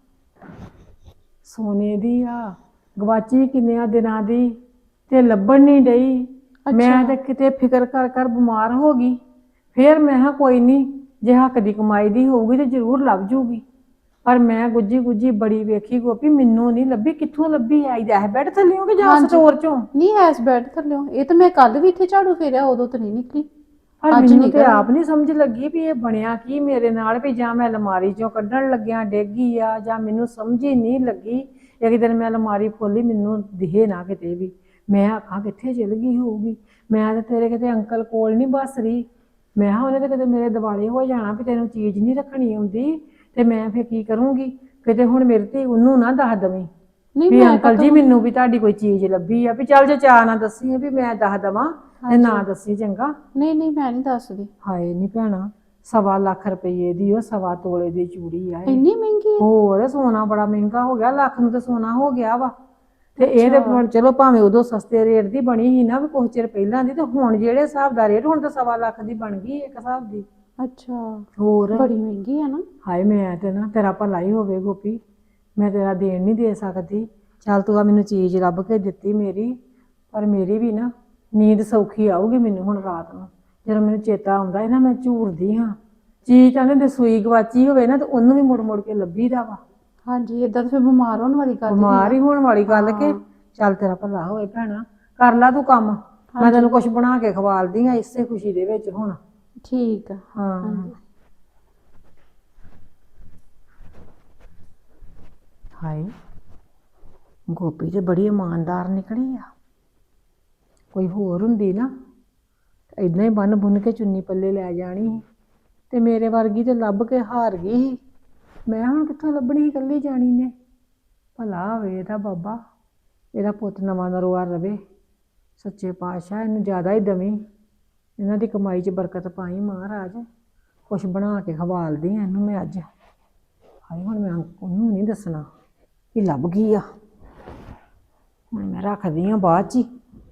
S1: ਸੋਨੇ ਦੀ ਆ। ਗਵਾਚੀ ਕਿੰਨਿਆਂ ਦਿਨਾਂ ਦੀ ਤੇ ਲੱਭਣ ਨਹੀਂ ਡਈ। ਮੈਂ ਤੇ ਕਿਤੇ ਫਿਕਰ ਕਰ ਕਰ ਬਿਮਾਰ ਹੋ ਗਈ। ਫੇਰ ਮੈਂ ਕਿਹਾ ਕੋਈ ਨਹੀਂ, ਜੇ ਹੱਕ ਦੀ ਕਮਾਈ ਦੀ ਹੋਊਗੀ ਤੇ ਜ਼ਰੂਰ ਲੱਭ ਜੂਗੀ। ਪਰ ਮੈਂ ਗੁੱਜੀ ਗੁੱਜੀ ਬੜੀ ਵੇਖੀ ਗੋਪੀ, ਮੈਨੂੰ ਨਹੀਂ ਲੱਭੀ। ਕਿੱਥੋਂ ਲੱਭੀ? ਆਈ ਦਾ ਬੈੱਡ ਥੱਲਿਓ ਕਿ ਜਾਂ ਸਟੋਰ ਚੋਂ?
S4: ਨਹੀਂ ਐਸ ਬੈੱਡ ਥੱਲਿਓ। ਇਹ ਤਾਂ ਮੈਂ ਕੱਲ ਵੀ ਇੱਥੇ ਝਾੜੂ ਫੇਰਿਆ, ਉਦੋਂ ਤਾਂ ਨਹੀਂ ਨਿਕਲੀ।
S1: ਪਰ ਮੈਨੂੰ ਤੇ ਆਪ ਨਹੀਂ ਸਮਝ ਲੱਗੀ ਵੀ ਇਹ ਬਣਿਆ ਕੀ ਮੇਰੇ ਨਾਲ, ਵੀ ਜਾਂ ਮੈਂ ਅਲਮਾਰੀ ਚੋਂ ਕੱਢਣ ਲੱਗਿਆ ਡੇਗੀ ਆ, ਜਾਂ ਮੈਨੂੰ ਸਮਝ ਹੀ ਨਹੀਂ ਲੱਗੀ। ਇੱਕ ਦਿਨ ਮੈਂ ਅਲਮਾਰੀ ਖੋਲੀ, ਮੈਨੂੰ ਦਿਖੇ ਨਾ ਕਿਤੇ ਵੀ। ਮੈਂ ਆਖਾਂ ਕਿੱਥੇ ਚਲ ਗਈ ਹੋਊਗੀ। ਮੈਂ ਤਾਂ ਤੇਰੇ ਕਿਤੇ ਅੰਕਲ ਕੋਲ ਨਹੀਂ ਬਸ ਰਹੀ। ਮੈਂ ਕਿਹਾ ਉਹਨੇ ਤਾਂ ਕਿਤੇ ਮੇਰੇ ਦਿਵਾਲੇ ਹੋ ਜਾਣਾ ਵੀ ਤੈਨੂੰ ਚੀਜ਼ ਨਹੀਂ ਰੱਖਣੀ ਆਉਂਦੀ, ਤੇ ਮੈਂ ਫਿਰ ਕੀ ਕਰੂੰਗੀ। ਕਿਤੇ ਹੁਣ ਮੇਰੇ ਤੇ ਉਹਨੂੰ ਨਾ ਦੱਸ ਦਵੀਂ ਵੀ ਅੰਕਲ ਜੀ ਮੈਨੂੰ ਵੀ ਤੁਹਾਡੀ ਕੋਈ ਚੀਜ਼ ਲੱਭੀ ਆ। ਵੀ ਚੱਲ ਜੇ ਚਾਹ ਨਾ ਦੱਸੀ ਵੀ ਮੈਂ ਦੱਸ ਦਵਾਂ ਤੇ ਨਾ ਦੱਸੀ ਚੰਗਾ।
S4: ਨਹੀਂ ਨਹੀਂ ਮੈਂ ਨਹੀਂ ਦੱਸਦੀ।
S1: ਹਾਏ ਨਹੀਂ ਭੈਣਾ, ਸਵਾ ਲੱਖ ਰੁਪਏ ਦੀ ਉਹ ਸਵਾ ਤੋਲੇ ਦੀ ਚੂੜੀ ਆ।
S4: ਇੰਨੀ ਮਹਿੰਗੀ?
S1: ਹੋਰ ਸੋਨਾ ਬੜਾ ਮਹਿੰਗਾ ਹੋ ਗਿਆ, ਲੱਖ ਨੂੰ ਤਾਂ ਸੋਨਾ ਹੋ ਗਿਆ ਵਾ। ਤੇ ਇਹ ਤੇ ਚਲੋ ਭਾਵੇਂ ਉਦੋਂ ਸਸਤੇ ਰੇਟ ਦੀ ਬਣੀ ਸੀ ਨਾ, ਵੀ ਕੁਝ ਚਿਰ ਪਹਿਲਾਂ ਦੀ, ਤੇ ਹੁਣ ਜਿਹੜੇ ਹਿਸਾਬ ਦਾ ਰੇਟ, ਹੁਣ ਤਾਂ ਸਵਾ ਲੱਖ ਦੀ ਬਣ ਗਈ ਇੱਕ ਹਿਸਾਬ ਦੀ।
S4: ਅੱਛਾ
S1: ਹੋਰ
S4: ਬੜੀ ਮਹਿੰਗੀ ਆ ਨਾ।
S1: ਹਾਏ ਮੈਂ ਤੇ ਨਾ, ਤੇਰਾ ਭਲਾ ਹੀ ਹੋਵੇ ਗੋਪੀ, ਮੈਂ ਤੇਰਾ ਦੇਣ ਨਹੀਂ ਦੇ ਸਕਦੀ। ਚੱਲ ਤੂੰ ਆ ਮੈਨੂੰ ਚੀਜ਼ ਲੱਭ ਕੇ ਦਿੱਤੀ ਮੇਰੀ, ਪਰ ਮੇਰੀ ਵੀ ਨਾ ਨੀਂਦ ਸੌਖੀ ਆਊਗੀ ਮੈਨੂੰ ਹੁਣ ਰਾਤ ਨੂੰ। ਜਦੋਂ ਮੈਨੂੰ ਚੇਤਾ ਆਉਂਦਾ ਹੈ ਨਾ, ਮੈਂ ਝੂਰਦੀ ਹਾਂ। ਚੀਜ਼ ਕਹਿੰਦੇ ਤੇ ਸੂਈ ਗਵਾਚੀ ਹੋਵੇ ਨਾ, ਤੇ ਉਹਨੂੰ ਵੀ ਮੁੜ ਮੁੜ ਕੇ ਲੱਭੀਦਾ ਵਾ।
S4: ਹਾਂਜੀ ਏਦਾਂ ਤਾਂ ਫਿਰ ਬਿਮਾਰ ਹੋਣ ਵਾਲੀ ਗੱਲ।
S1: ਬਿਮਾਰ ਹੀ ਹੋਣ ਵਾਲੀ ਗੱਲ ਕਿ। ਚੱਲ ਤੇਰਾ ਭਲਾ ਹੋਵੇ ਭੈਣਾ, ਕਰ ਲਾ ਤੂੰ ਕੰਮ। ਮੈਂ ਤੈਨੂੰ ਕੁਛ ਬਣਾ ਕੇ ਖਵਾਲਦੀ ਆ ਇਸੇ ਖੁਸ਼ੀ ਦੇ ਵਿੱਚ ਹੁਣ।
S4: ਠੀਕ ਆ।
S1: ਹਾਂ ਹਾਏ ਗੋਪੀ ਤੇ ਬੜੀ ਇਮਾਨਦਾਰ ਨਿਕਲੀ ਆ। ਕੋਈ ਹੋਰ ਹੁੰਦੀ ਨਾ ਏਦਾਂ ਹੀ ਬੰਨ ਬੁੰਨ ਕੇ ਚੁੰਨੀ ਪੱਲੇ ਲੈ ਜਾਣੀ ਸੀ, ਤੇ ਮੇਰੇ ਵਰਗੀ ਤੇ ਲੱਭ ਕੇ ਹਾਰ ਗਈ ਸੀ। ਮੈਂ ਹੁਣ ਕਿੱਥੋਂ ਲੱਭਣੀ ਸੀ ਇਕੱਲੀ ਜਾਣੀ ਨੇ। ਭਲਾ ਹੋਵੇ ਇਹਦਾ ਬਾਬਾ, ਇਹਦਾ ਪੁੱਤ ਨਵਾਂ ਨਰੋਆ ਰਵੇ। ਸੱਚੇ ਪਾਤਸ਼ਾਹ ਇਹਨੂੰ ਜ਼ਿਆਦਾ ਹੀ ਦਵੀਂ, ਇਹਨਾਂ ਦੀ ਕਮਾਈ 'ਚ ਬਰਕਤ ਪਾਈ ਮਹਾਰਾਜ। ਕੁਛ ਬਣਾ ਕੇ ਖਵਾਲਦੀ ਆ ਇਹਨੂੰ ਮੈਂ ਅੱਜ। ਹਾਏ ਹੁਣ ਮੈਂ ਉਹਨੂੰ ਨਹੀਂ ਦੱਸਣਾ ਕਿ ਲੱਭ ਗਈ ਆ। ਹੁਣ ਮੈਂ ਰੱਖਦੀ ਆ ਬਾਅਦ 'ਚ ਹੀ।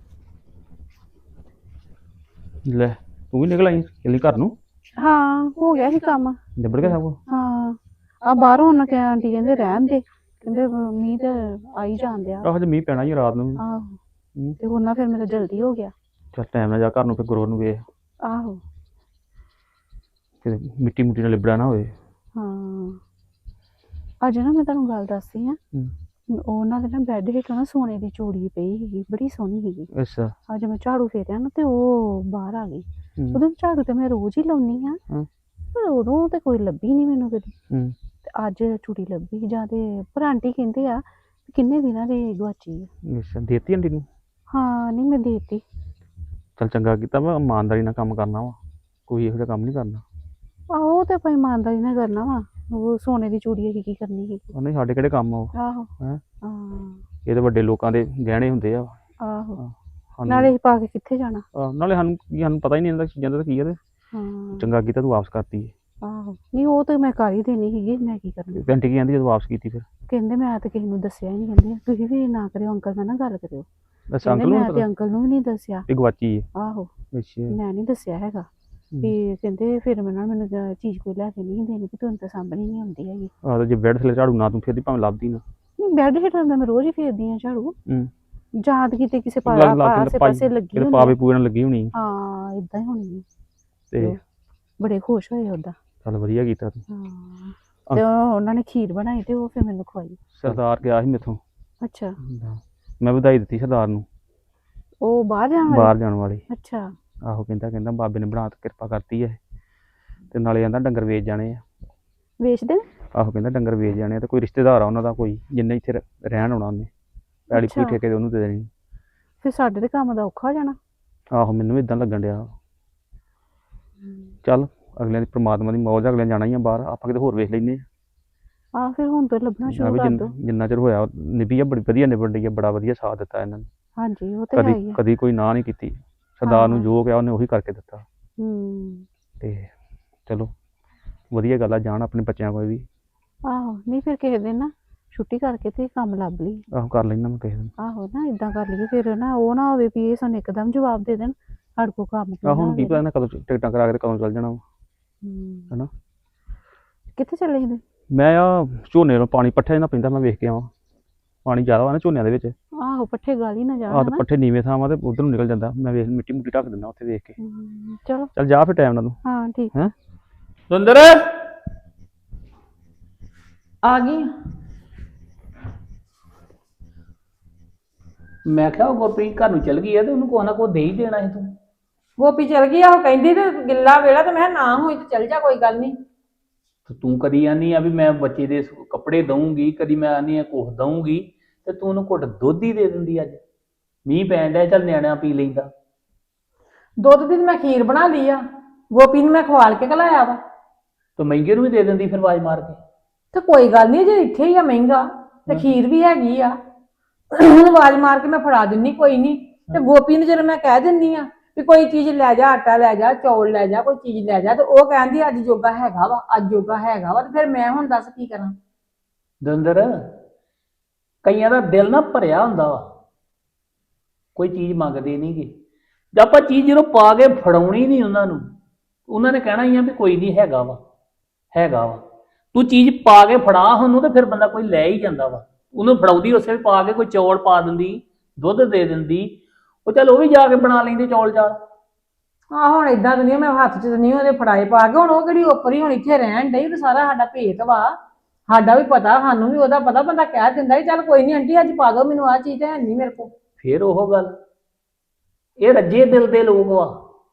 S3: ਲੈ ਤੂੰ ਵੀ ਨਿਕਲ ਆਈ ਚੱਲੀ ਘਰ ਨੂੰ?
S4: ਹਾਂ ਹੋ ਗਿਆ ਸੀ ਕੰਮ,
S3: ਨਿਬੜ ਗਿਆ ਸਭ ਕੁਛ?
S4: ਹਾਂ ਆ ਬਾਹਰੋਂ ਉਹਨਾਂ ਕਿ ਆਂਟੀ ਕਹਿੰਦੇ ਰਹਿਣ ਦੇ, ਕਹਿੰਦੇ ਮੀਂਹ ਤੇ ਆਈ ਜਾਣ ਡਿਆ।
S3: ਆਹੋ ਜੇ ਮੀਂਹ ਪੈਣਾ ਹੀ ਰਾਤ ਨੂੰ।
S4: ਆਹੋ ਤੇ ਉਹਨਾਂ ਫਿਰ ਮੇਰਾ ਜਲਦੀ ਹੋ ਗਿਆ।
S3: ਚੱਲ ਟਾਈਮ ਨਾਲ ਜਾ ਘਰ ਨੂੰ, ਫਿਰ ਗੁਰੂ ਨੂੰ ਵੇਖ
S4: ਆਹੋ
S3: ਕਿਤੇ ਮਿੱਟੀ ਮੁੱਟੀ ਨਾਲ ਲਿਬੜਾ ਨਾ ਹੋਵੇ।
S4: ਹਾਂ ਅੱਜ ਨਾ ਮੈਂ ਤੁਹਾਨੂੰ ਗੱਲ ਦੱਸਦੀ ਹਾਂ, ਉਹਨਾਂ ਦੇ ਨਾ ਬੈੱਡ ਹੇਠੋਂ ਨਾ ਸੋਨੇ ਦੀ ਚੂੜੀ ਪਈ ਸੀਗੀ, ਬੜੀ ਸੋਹਣੀ ਸੀਗੀ।
S3: ਅੱਛਾ
S4: ਅੱਜ ਮੈਂ ਝਾੜੂ ਫੇਰਿਆ ਨਾ ਤੇ ਉਹ ਬਾਹਰ ਆ ਗਈ। ਉਹਦੇ ਝਾੜੂ ਤੇ ਮੈਂ ਰੋਜ਼ ਹੀ ਲਾਉਣੀ ਆ, ਪਰ ਉਦੋਂ ਤੇ ਕੋਈ ਲੱਭੀ ਨਹੀਂ ਮੈਨੂੰ ਕਦੀ। ਤੇ ਅੱਜ ਚੂੜੀ ਲੱਭੀ। ਜਾਂ ਤੇ ਪਰ ਆਂਟੀ ਕਹਿੰਦੇ ਆ ਕਿੰਨੇ ਦਿਨਾਂ ਦੀ ਗਵਾਚੀ ਆ।
S3: ਅੱਛਾ ਦੇਤੀ ਆਂਟੀ ਨੂੰ?
S4: ਹਾਂ ਨਹੀਂ ਮੈਂ ਦੇਤੀ।
S3: ਚੱਲ ਚੰਗਾ ਕੀਤਾ ਵਾ, ਇਮਾਨਦਾਰੀ ਨਾਲ ਕੰਮ ਕਰਨਾ ਵਾ, ਕੋਈ ਇਹੋ ਜਿਹਾ ਕੰਮ ਨਹੀਂ ਕਰਨਾ।
S4: ਆਹੋ ਉਹ ਤੇ ਆਪਾਂ ਇਮਾਨਦਾਰੀ ਨਾਲ ਕਰਨਾ ਵਾ। ਉਹ ਸੋਨੇ ਦੀ ਚੂੜੀ ਅਸੀਂ ਕੀ ਕਰਨੀ ਸੀ।
S3: ਨਹੀਂ ਸਾਡੇ ਕਿਹੜੇ ਕੰਮ ਆ ਉਹ।
S4: ਆਹੋ
S3: ਹੈਂ
S4: ਹਾਂ
S3: ਇਹ ਤਾਂ ਵੱਡੇ ਲੋਕਾਂ ਦੇ ਗਹਿਣੇ ਹੁੰਦੇ ਆ।
S4: ਆਹੋ ਨਾਲੇ ਅਸੀਂ ਪਾ ਕੇ ਕਿੱਥੇ ਜਾਣਾ।
S3: ਆਹ ਨਾਲੇ ਸਾਨੂੰ ਕੀ, ਸਾਨੂੰ ਪਤਾ ਹੀ ਨਹੀਂ ਹੁੰਦਾ ਚੀਜ਼ਾਂ ਦਾ ਕੀ ਆ। ਤੇ
S4: ਹਾਂ
S3: ਚੰਗਾ ਕੀਤਾ ਤੂੰ ਵਾਪਸ ਕਰਤੀ।
S4: ਆਹੋ ਨਹੀਂ ਉਹ ਤਾਂ ਮੈਂ ਕਰ ਹੀ ਦੇਣੀ ਸੀਗੀ, ਮੈਂ ਕੀ ਕਰਨੀ।
S3: ਆਂਟੀ ਕੀ ਕਹਿੰਦੀ ਜਦੋਂ ਵਾਪਸ ਕੀਤੀ? ਫਿਰ
S4: ਕਹਿੰਦੇ ਮੈਂ ਤਾਂ ਕਿਸੇ ਨੂੰ ਦੱਸਿਆ ਹੀ ਨਹੀਂ। ਕਹਿੰਦੇ ਤੁਸੀਂ ਵੀ ਨਾ ਕਰਿਓ ਅੰਕਲ ਨਾਲ ਨਾ ਗੱਲ ਕਰਿਓ।
S3: ਬਸ
S4: ਕਹਿੰਦੇ
S3: ਅੰਕਲ ਨੂੰ
S4: ਮੈਂ ਤੇ ਅੰਕਲ ਨੂੰ ਵੀ ਨਹੀਂ ਦੱਸਿਆ।
S3: ਇਹ ਗਵਾਚੀ ਹੈ?
S4: ਆਹੋ
S3: ਅੱਛਾ
S4: ਮੈਂ ਨਹੀਂ ਦੱਸਿਆ ਹੈਗਾ ਵੀ। ਕਹਿੰਦੇ ਫਿਰ ਮੈਂ ਨਾ ਮੈਨੂੰ ਚੀਜ਼ ਕੋਈ ਲੈ ਕੇ ਨਹੀਂ ਦੇਣੀ, ਕਿ ਤੁਹਾਨੂੰ ਤਾਂ ਸਾਂਭਣੀ ਨਹੀਂ ਆਉਂਦੀ ਹੈਗੀ।
S3: ਆਹ ਜੇ ਬੈੱਡ ਥੱਲੇ ਝਾੜੂ ਨਾ ਤੂੰ ਫੇਰਦੀ ਭਾਵੇਂ ਲੱਭਦੀ ਨਾ।
S4: ਨਹੀਂ ਬੈੱਡ ਹੇਠਾਂ ਤਾਂ ਮੈਂ ਰੋਜ਼ ਹੀ ਫੇਰਦੀ ਹਾਂ ਝਾੜੂ।
S3: ਹੂੰ
S4: ਯਾਦ ਕਿਤੇ ਕਿਸੇ ਆਸੇ ਪਾਸੇ ਲੱਗੀ ਹੋਣੀ।
S3: ਪਾਵੇ ਪੂਰੇ ਨਾਲ ਲੱਗੀ ਹੋਣੀ।
S4: ਹਾਂ ਏਦਾਂ ਹੀ ਹੋਣੀ।
S3: ਤੇ
S4: ਬੜੇ ਖੁਸ਼ ਹੋਏ ਉਹਦਾ।
S3: ਚੱਲ ਵਧੀਆ ਕੀਤਾ ਤੂੰ।
S4: ਹਾਂ ਤੇ ਉਹਨਾਂ ਨੇ ਖੀਰ ਬਣਾਈ ਤੇ ਉਹ ਫਿਰ ਮੈਨੂੰ ਖਵਾਈ।
S3: ਸਰਦਾਰ ਗਿਆ ਸੀ ਮੇਥੋਂ।
S4: ਅੱਛਾ
S3: ਮੈਂ ਵਧਾਈ ਦਿੱਤੀ ਸਰਦਾਰ ਨੂੰ।
S4: ਉਹ ਬਾਹਰ ਜਾਣ ਵਾਲੇ?
S3: ਬਾਹਰ ਜਾਣ ਵਾਲੇ।
S4: ਅੱਛਾ
S3: ਆਹੋ ਕਹਿੰਦਾ ਕਹਿੰਦਾ ਬਾਬੇ ਨੇ ਬਣਾ ਕੇ ਕਿਰਪਾ ਕਰਤੀ ਹੈ, ਤੇ ਨਾਲੇ ਕਹਿੰਦਾ ਡੰਗਰ ਵੇਚ ਜਾਣੇ ਆ।
S4: ਵੇਚਦੇ?
S3: ਆਹੋ ਕਹਿੰਦਾ ਡੰਗਰ ਵੇਚ ਜਾਣੇ ਆ ਤੇ ਕੋਈ ਰਿਸ਼ਤੇਦਾਰ ਆ ਉਹਨਾਂ ਦਾ ਕੋਈ ਜਿੰਨੇ ਇੱਥੇ ਰ- ਰਹਿਣ ਆਉਣਾ ਉਹਨੇ ਪੈਲੀ ਪੂਰੀ
S4: ਅੱਛਾ।
S3: ਠੇਕੇ ਤੇ ਉਹਨੂੰ ਦੇ ਦੇਣੀ।
S4: ਫਿਰ ਸਾਡੇ ਦੇ ਕੰਮ ਦਾ ਔਖਾ ਹੋ ਜਾਣਾ।
S3: ਆਹੋ ਮੈਨੂੰ ਵੀ ਇਦਾਂ ਲੱਗਣ ਡਿਆ। ਚੱਲ ਅਗਲਿਆਂ ਦੀ ਪ੍ਰਮਾਤਮਾ ਦੀ ਮੌਜ ਆ, ਅਗਲਿਆਂ ਜਾਣਾ ਹੀ ਆ ਬਾਹਰ, ਆਪਾਂ ਕਿਤੇ ਹੋਰ ਵੇਖ ਲੈਨੇ
S4: ਆ ਫਿਰ ਹੁਣ ਤੋਂ ਲੱਭਣਾ
S3: ਆ
S4: ਸ਼ੁਰੂ
S3: ਵੀ
S4: ਕਰ
S3: ਜਿੰਨ-
S4: ਦੋ।
S3: ਜਿੰਨਾ ਚਿਰ ਹੋਇਆ ਨਿਭੀ ਆ, bੜੀ ਵਧੀਆ ਨਿਬੜ ਰਹੀ ਆ, ਬੜਾ ਵਧੀਆ ਸਾਥ ਦਿੱਤਾ ਇਹਨਾਂ ਨੇ।
S4: ਹਾਂਜੀ ਉਹ ਤੇ ਹੈ ਹੀ
S3: ਕਦੀ
S4: ਆ।
S3: ਕਦੀ ਕੋਈ ਨਾ ਨਹੀਂ ਕੀਤੀ। ਸਰਦਾਰ ਨੂੰ
S4: ਹਾਂ।
S3: ਜੋ ਕਿਹਾ ਉਹਨੇ ਉਹੀ ਕਰਕੇ ਦਿੱਤਾ।
S4: ਹੂੰ
S3: ਤੇ ਚਲੋ ਵਧੀਆ ਗੱਲ ਆ, ਜਾਣ ਆਪਣੇ ਬੱਚਿਆਂ ਕੋਲ ਵੀ।
S4: ਆਹੋ ਨਹੀਂ ਫਿਰ ਕਿਸੇ ਦਿਨ ਨਾ ਛੁੱਟੀ ਕਰਕੇ ਤੇ ਕੰਮ ਲੱਭ ਲਈ।
S3: ਆਹੋ ਕਰ ਲੈਣਾ ਮੈਂ ਕਿਸੇ ਦਿਨ।
S4: ਆਹੋ ਨਾ ਇਦਾਂ ਕਰ ਲਈਏ ਫਿਰ ਨਾ ਉਹ ਨਾ ਹੋਵੇ ਵੀ ਇਹ ਸਾਨੂੰ ਇੱਕਦਮ ਜਵਾਬ ਦੇ ਦੇਣ ਸਾਡੇ ਕੋਲ ਕੰਮ
S3: ਆਹ ਹੁਣ ਕੀ
S4: ਹੋਵੇ।
S3: ਪਤਾ ਇਹਨਾਂ ਕਦੋਂ ਟਿਕਟਾਂ ਕਰਾ ਕੇ ਤੇ ਕਦੋਂ ਚੱਲ ਜਾਣਾ ਵਾ।
S4: ਹੂੰ।
S3: ਹਨਾ।
S4: ਕਿੱਥੇ ਚੱਲੇ ਸੀ?
S3: ਮੈਂ ਆ ਝੋਨੇ ਨੂੰ ਪਾਣੀ ਪੱਠੇ ਨਾ ਪੈਂਦਾ, ਮੈਂ ਵੇਖ ਕੇ ਆਵਾਂ। ਪਾਣੀ ਜ਼ਿਆਦਾ ਵਾ ਨਾ ਝੋਨਿਆਂ ਦੇ ਵਿੱਚ।
S4: ਆਹੋ ਪੱਠੇ ਗਾਲੀ ਨਾ ਜਾਣ
S3: ਆਹ ਤੇ
S4: ਹਨਾ।
S3: ਪੱਠੇ ਨੀਵੇਂ ਥਾਂ ਵਾ ਤੇ ਉਧਰ ਨੂੰ ਨਿਕਲ ਜਾਂਦਾ, ਮੈਂ ਵੇਖ ਮਿੱਟੀ ਮੁੱਟੀ ਢੱਕ ਦਿੰਦਾ ਉੱਥੇ ਵੇਖ ਕੇ।
S4: ਹੂੰ, ਚਲੋ
S3: ਚੱਲ ਜਾ ਫਿਰ ਟਾਈਮ ਨਾਲ ਤੂੰ।
S4: ਹਾਂ ਠੀਕ।
S3: ਹੈਂ
S2: ਸੁੰਦਰ
S1: ਆ ਗਈ।
S2: ਮੈਂ ਕਿਹਾ ਉਹ ਗੁਰਪ੍ਰੀਤ ਘਰ ਨੂੰ ਚਲ ਗਈ ਆ ਤੇ ਉਹਨੂੰ ਕੋਈ ਨਾ ਕੋਈ ਦੇ ਹੀ ਦੇਣਾ ਸੀ ਤੂੰ।
S1: ਗੋਪੀ ਚਲ ਗਈ ਆ, ਉਹ ਕਹਿੰਦੀ ਤੇ ਗਿੱਲਾ ਵੇਲਾ ਤੇ ਮੈਂ ਕਿਹਾ ਨਾ ਹੋਈ ਤੇ ਚਲ ਜਾ, ਕੋਈ ਗੱਲ ਨਹੀਂ।
S2: ਤੇ ਤੂੰ ਕਦੀ ਆਨੀ ਆ ਵੀ ਮੈਂ ਬੱਚੇ ਦੇ ਸ- ਕੱਪੜੇ ਦਊਂਗੀ, ਕਦੀ ਮੈਂ ਆਨੀ ਆ ਕੁਛ ਦਊਂਗੀ, ਤੇ ਤੂੰ ਉਹਨੂੰ ਘੁੱਟ ਦੁੱਧ ਹੀ ਦੇ ਦਿੰਦੀ। ਅੱਜ ਮੀਂਹ ਪੈਣ ਡਿਆ, ਚੱਲ ਨਿਆਣਿਆਂ ਪੀ ਲੈਂਦਾ।
S1: ਦੁੱਧ ਦੀ ਤੇ ਮੈਂ ਖੀਰ ਬਣਾ ਲਈ ਆ, ਗੋਪੀ ਨੂੰ ਮੈਂ ਖਵਾਲ ਕੇ ਘਲਾਇਆ ਵਾ।
S2: ਤੇ ਮਹਿੰਗੇ ਨੂੰ ਵੀ ਦੇ ਦਿੰਦੀ ਫਿਰ ਆਵਾਜ਼ ਮਾਰ ਕੇ।
S1: ਤੇ ਕੋਈ ਗੱਲ ਨਹੀਂ, ਜੇ ਇੱਥੇ ਹੀ ਆ ਮਹਿੰਗਾ ਤੇ ਖੀਰ ਵੀ ਹੈਗੀ ਆ, ਹੁਣ ਆਵਾਜ਼ ਮਾਰ ਕੇ ਮੈਂ ਫੜਾ ਦਿੰਨੀ, ਕੋਈ ਨਹੀਂ। ਤੇ ਗੋਪੀ ਨੂੰ ਜਦੋਂ ਮੈਂ ਕਹਿ ਦਿੰਨੀ ਆ ਵੀ ਕੋਈ ਚੀਜ਼ ਲੈ ਜਾ, ਆਟਾ ਲੈ ਜਾ, ਚੌਲ ਲੈ ਜਾ, ਕੋਈ ਚੀਜ਼ ਲੈ ਜਾ, ਤੇ ਉਹ ਕਹਿੰਦੀ ਅੱਜ ਜੋਗਾ ਹੈਗਾ ਵਾ, ਅੱਜ ਜੋਗਾ ਹੈਗਾ ਵਾ, ਤੇ ਫਿਰ ਮੈਂ ਹੁਣ ਦੱਸ ਕੀ ਕਰਾਂ।
S2: ਦੰਦਰ ਕਈਆਂ ਦਾ ਦਿਲ ਨਾ ਭਰਿਆ ਹੁੰਦਾ ਵਾ, ਕੋਈ ਚੀਜ਼ ਮੰਗਦੇ ਨਹੀਂਗੇ। ਜੇ ਆਪਾਂ ਚੀਜ਼ ਜਦੋਂ ਪਾ ਕੇ ਫੜਾਉਣੀ ਨਹੀਂ ਉਹਨਾਂ ਨੂੰ, ਉਹਨਾਂ ਨੇ ਕਹਿਣਾ ਹੀ ਆ ਵੀ ਕੋਈ ਨਹੀਂ ਹੈਗਾ ਵਾ, ਹੈਗਾ ਵਾ। ਤੂੰ ਚੀਜ਼ ਪਾ ਕੇ ਫੜਾ ਉਹਨੂੰ ਤੇ ਫਿਰ ਬੰਦਾ ਕੋਈ ਲੈ ਹੀ ਜਾਂਦਾ ਵਾ। ਉਹਨੂੰ ਫੜਾਉਂਦੀ ਉਸੇ ਵੇਲੇ ਪਾ ਕੇ ਕੋਈ ਚੌਲ ਪਾ ਦਿੰਦੀ, ਦੁੱਧ ਦੇ ਦਿੰਦੀ, ਉਹ ਚੱਲ ਉਹ ਵੀ ਜਾ ਕੇ ਬਣਾ ਲੈਂਦੇ ਚੌਲ ਚਾਲ।
S1: ਆ ਹੁਣ ਏਦਾਂ ਤਾਂ ਨਹੀਂ, ਮੈਂ ਹੱਥ 'ਚ ਤਾਂ ਨਹੀਂ ਉਹਦੇ ਫੜਾਏ ਪਾ ਕੇ, ਹੁਣ ਉਹ ਕਿਹੜੀ ਉੱਪਰ ਹੀ ਹੁਣ ਇੱਥੇ ਰਹਿਣ ਡਈ, ਤੇ ਸਾਰਾ ਸਾਡਾ ਭੇਤ ਵਾ, ਸਾਡਾ ਵੀ ਪਤਾ, ਸਾਨੂੰ ਵੀ ਉਹਦਾ ਪਤਾ, ਬੰਦਾ ਕਹਿ ਦਿੰਦਾ ਸੀ ਚੱਲ ਕੋਈ ਨਹੀਂ ਆਂਟੀ ਅੱਜ ਪਾ ਦਿਓ ਮੈਨੂੰ, ਆਹ ਚੀਜ਼ ਤਾਂ ਹੈ ਨਹੀਂ ਮੇਰੇ ਕੋਲ।
S2: ਫਿਰ ਉਹ ਗੱਲ, ਇਹ ਰੱਜੇ ਦਿਲ ਦੇ ਲੋਕ ਵਾ,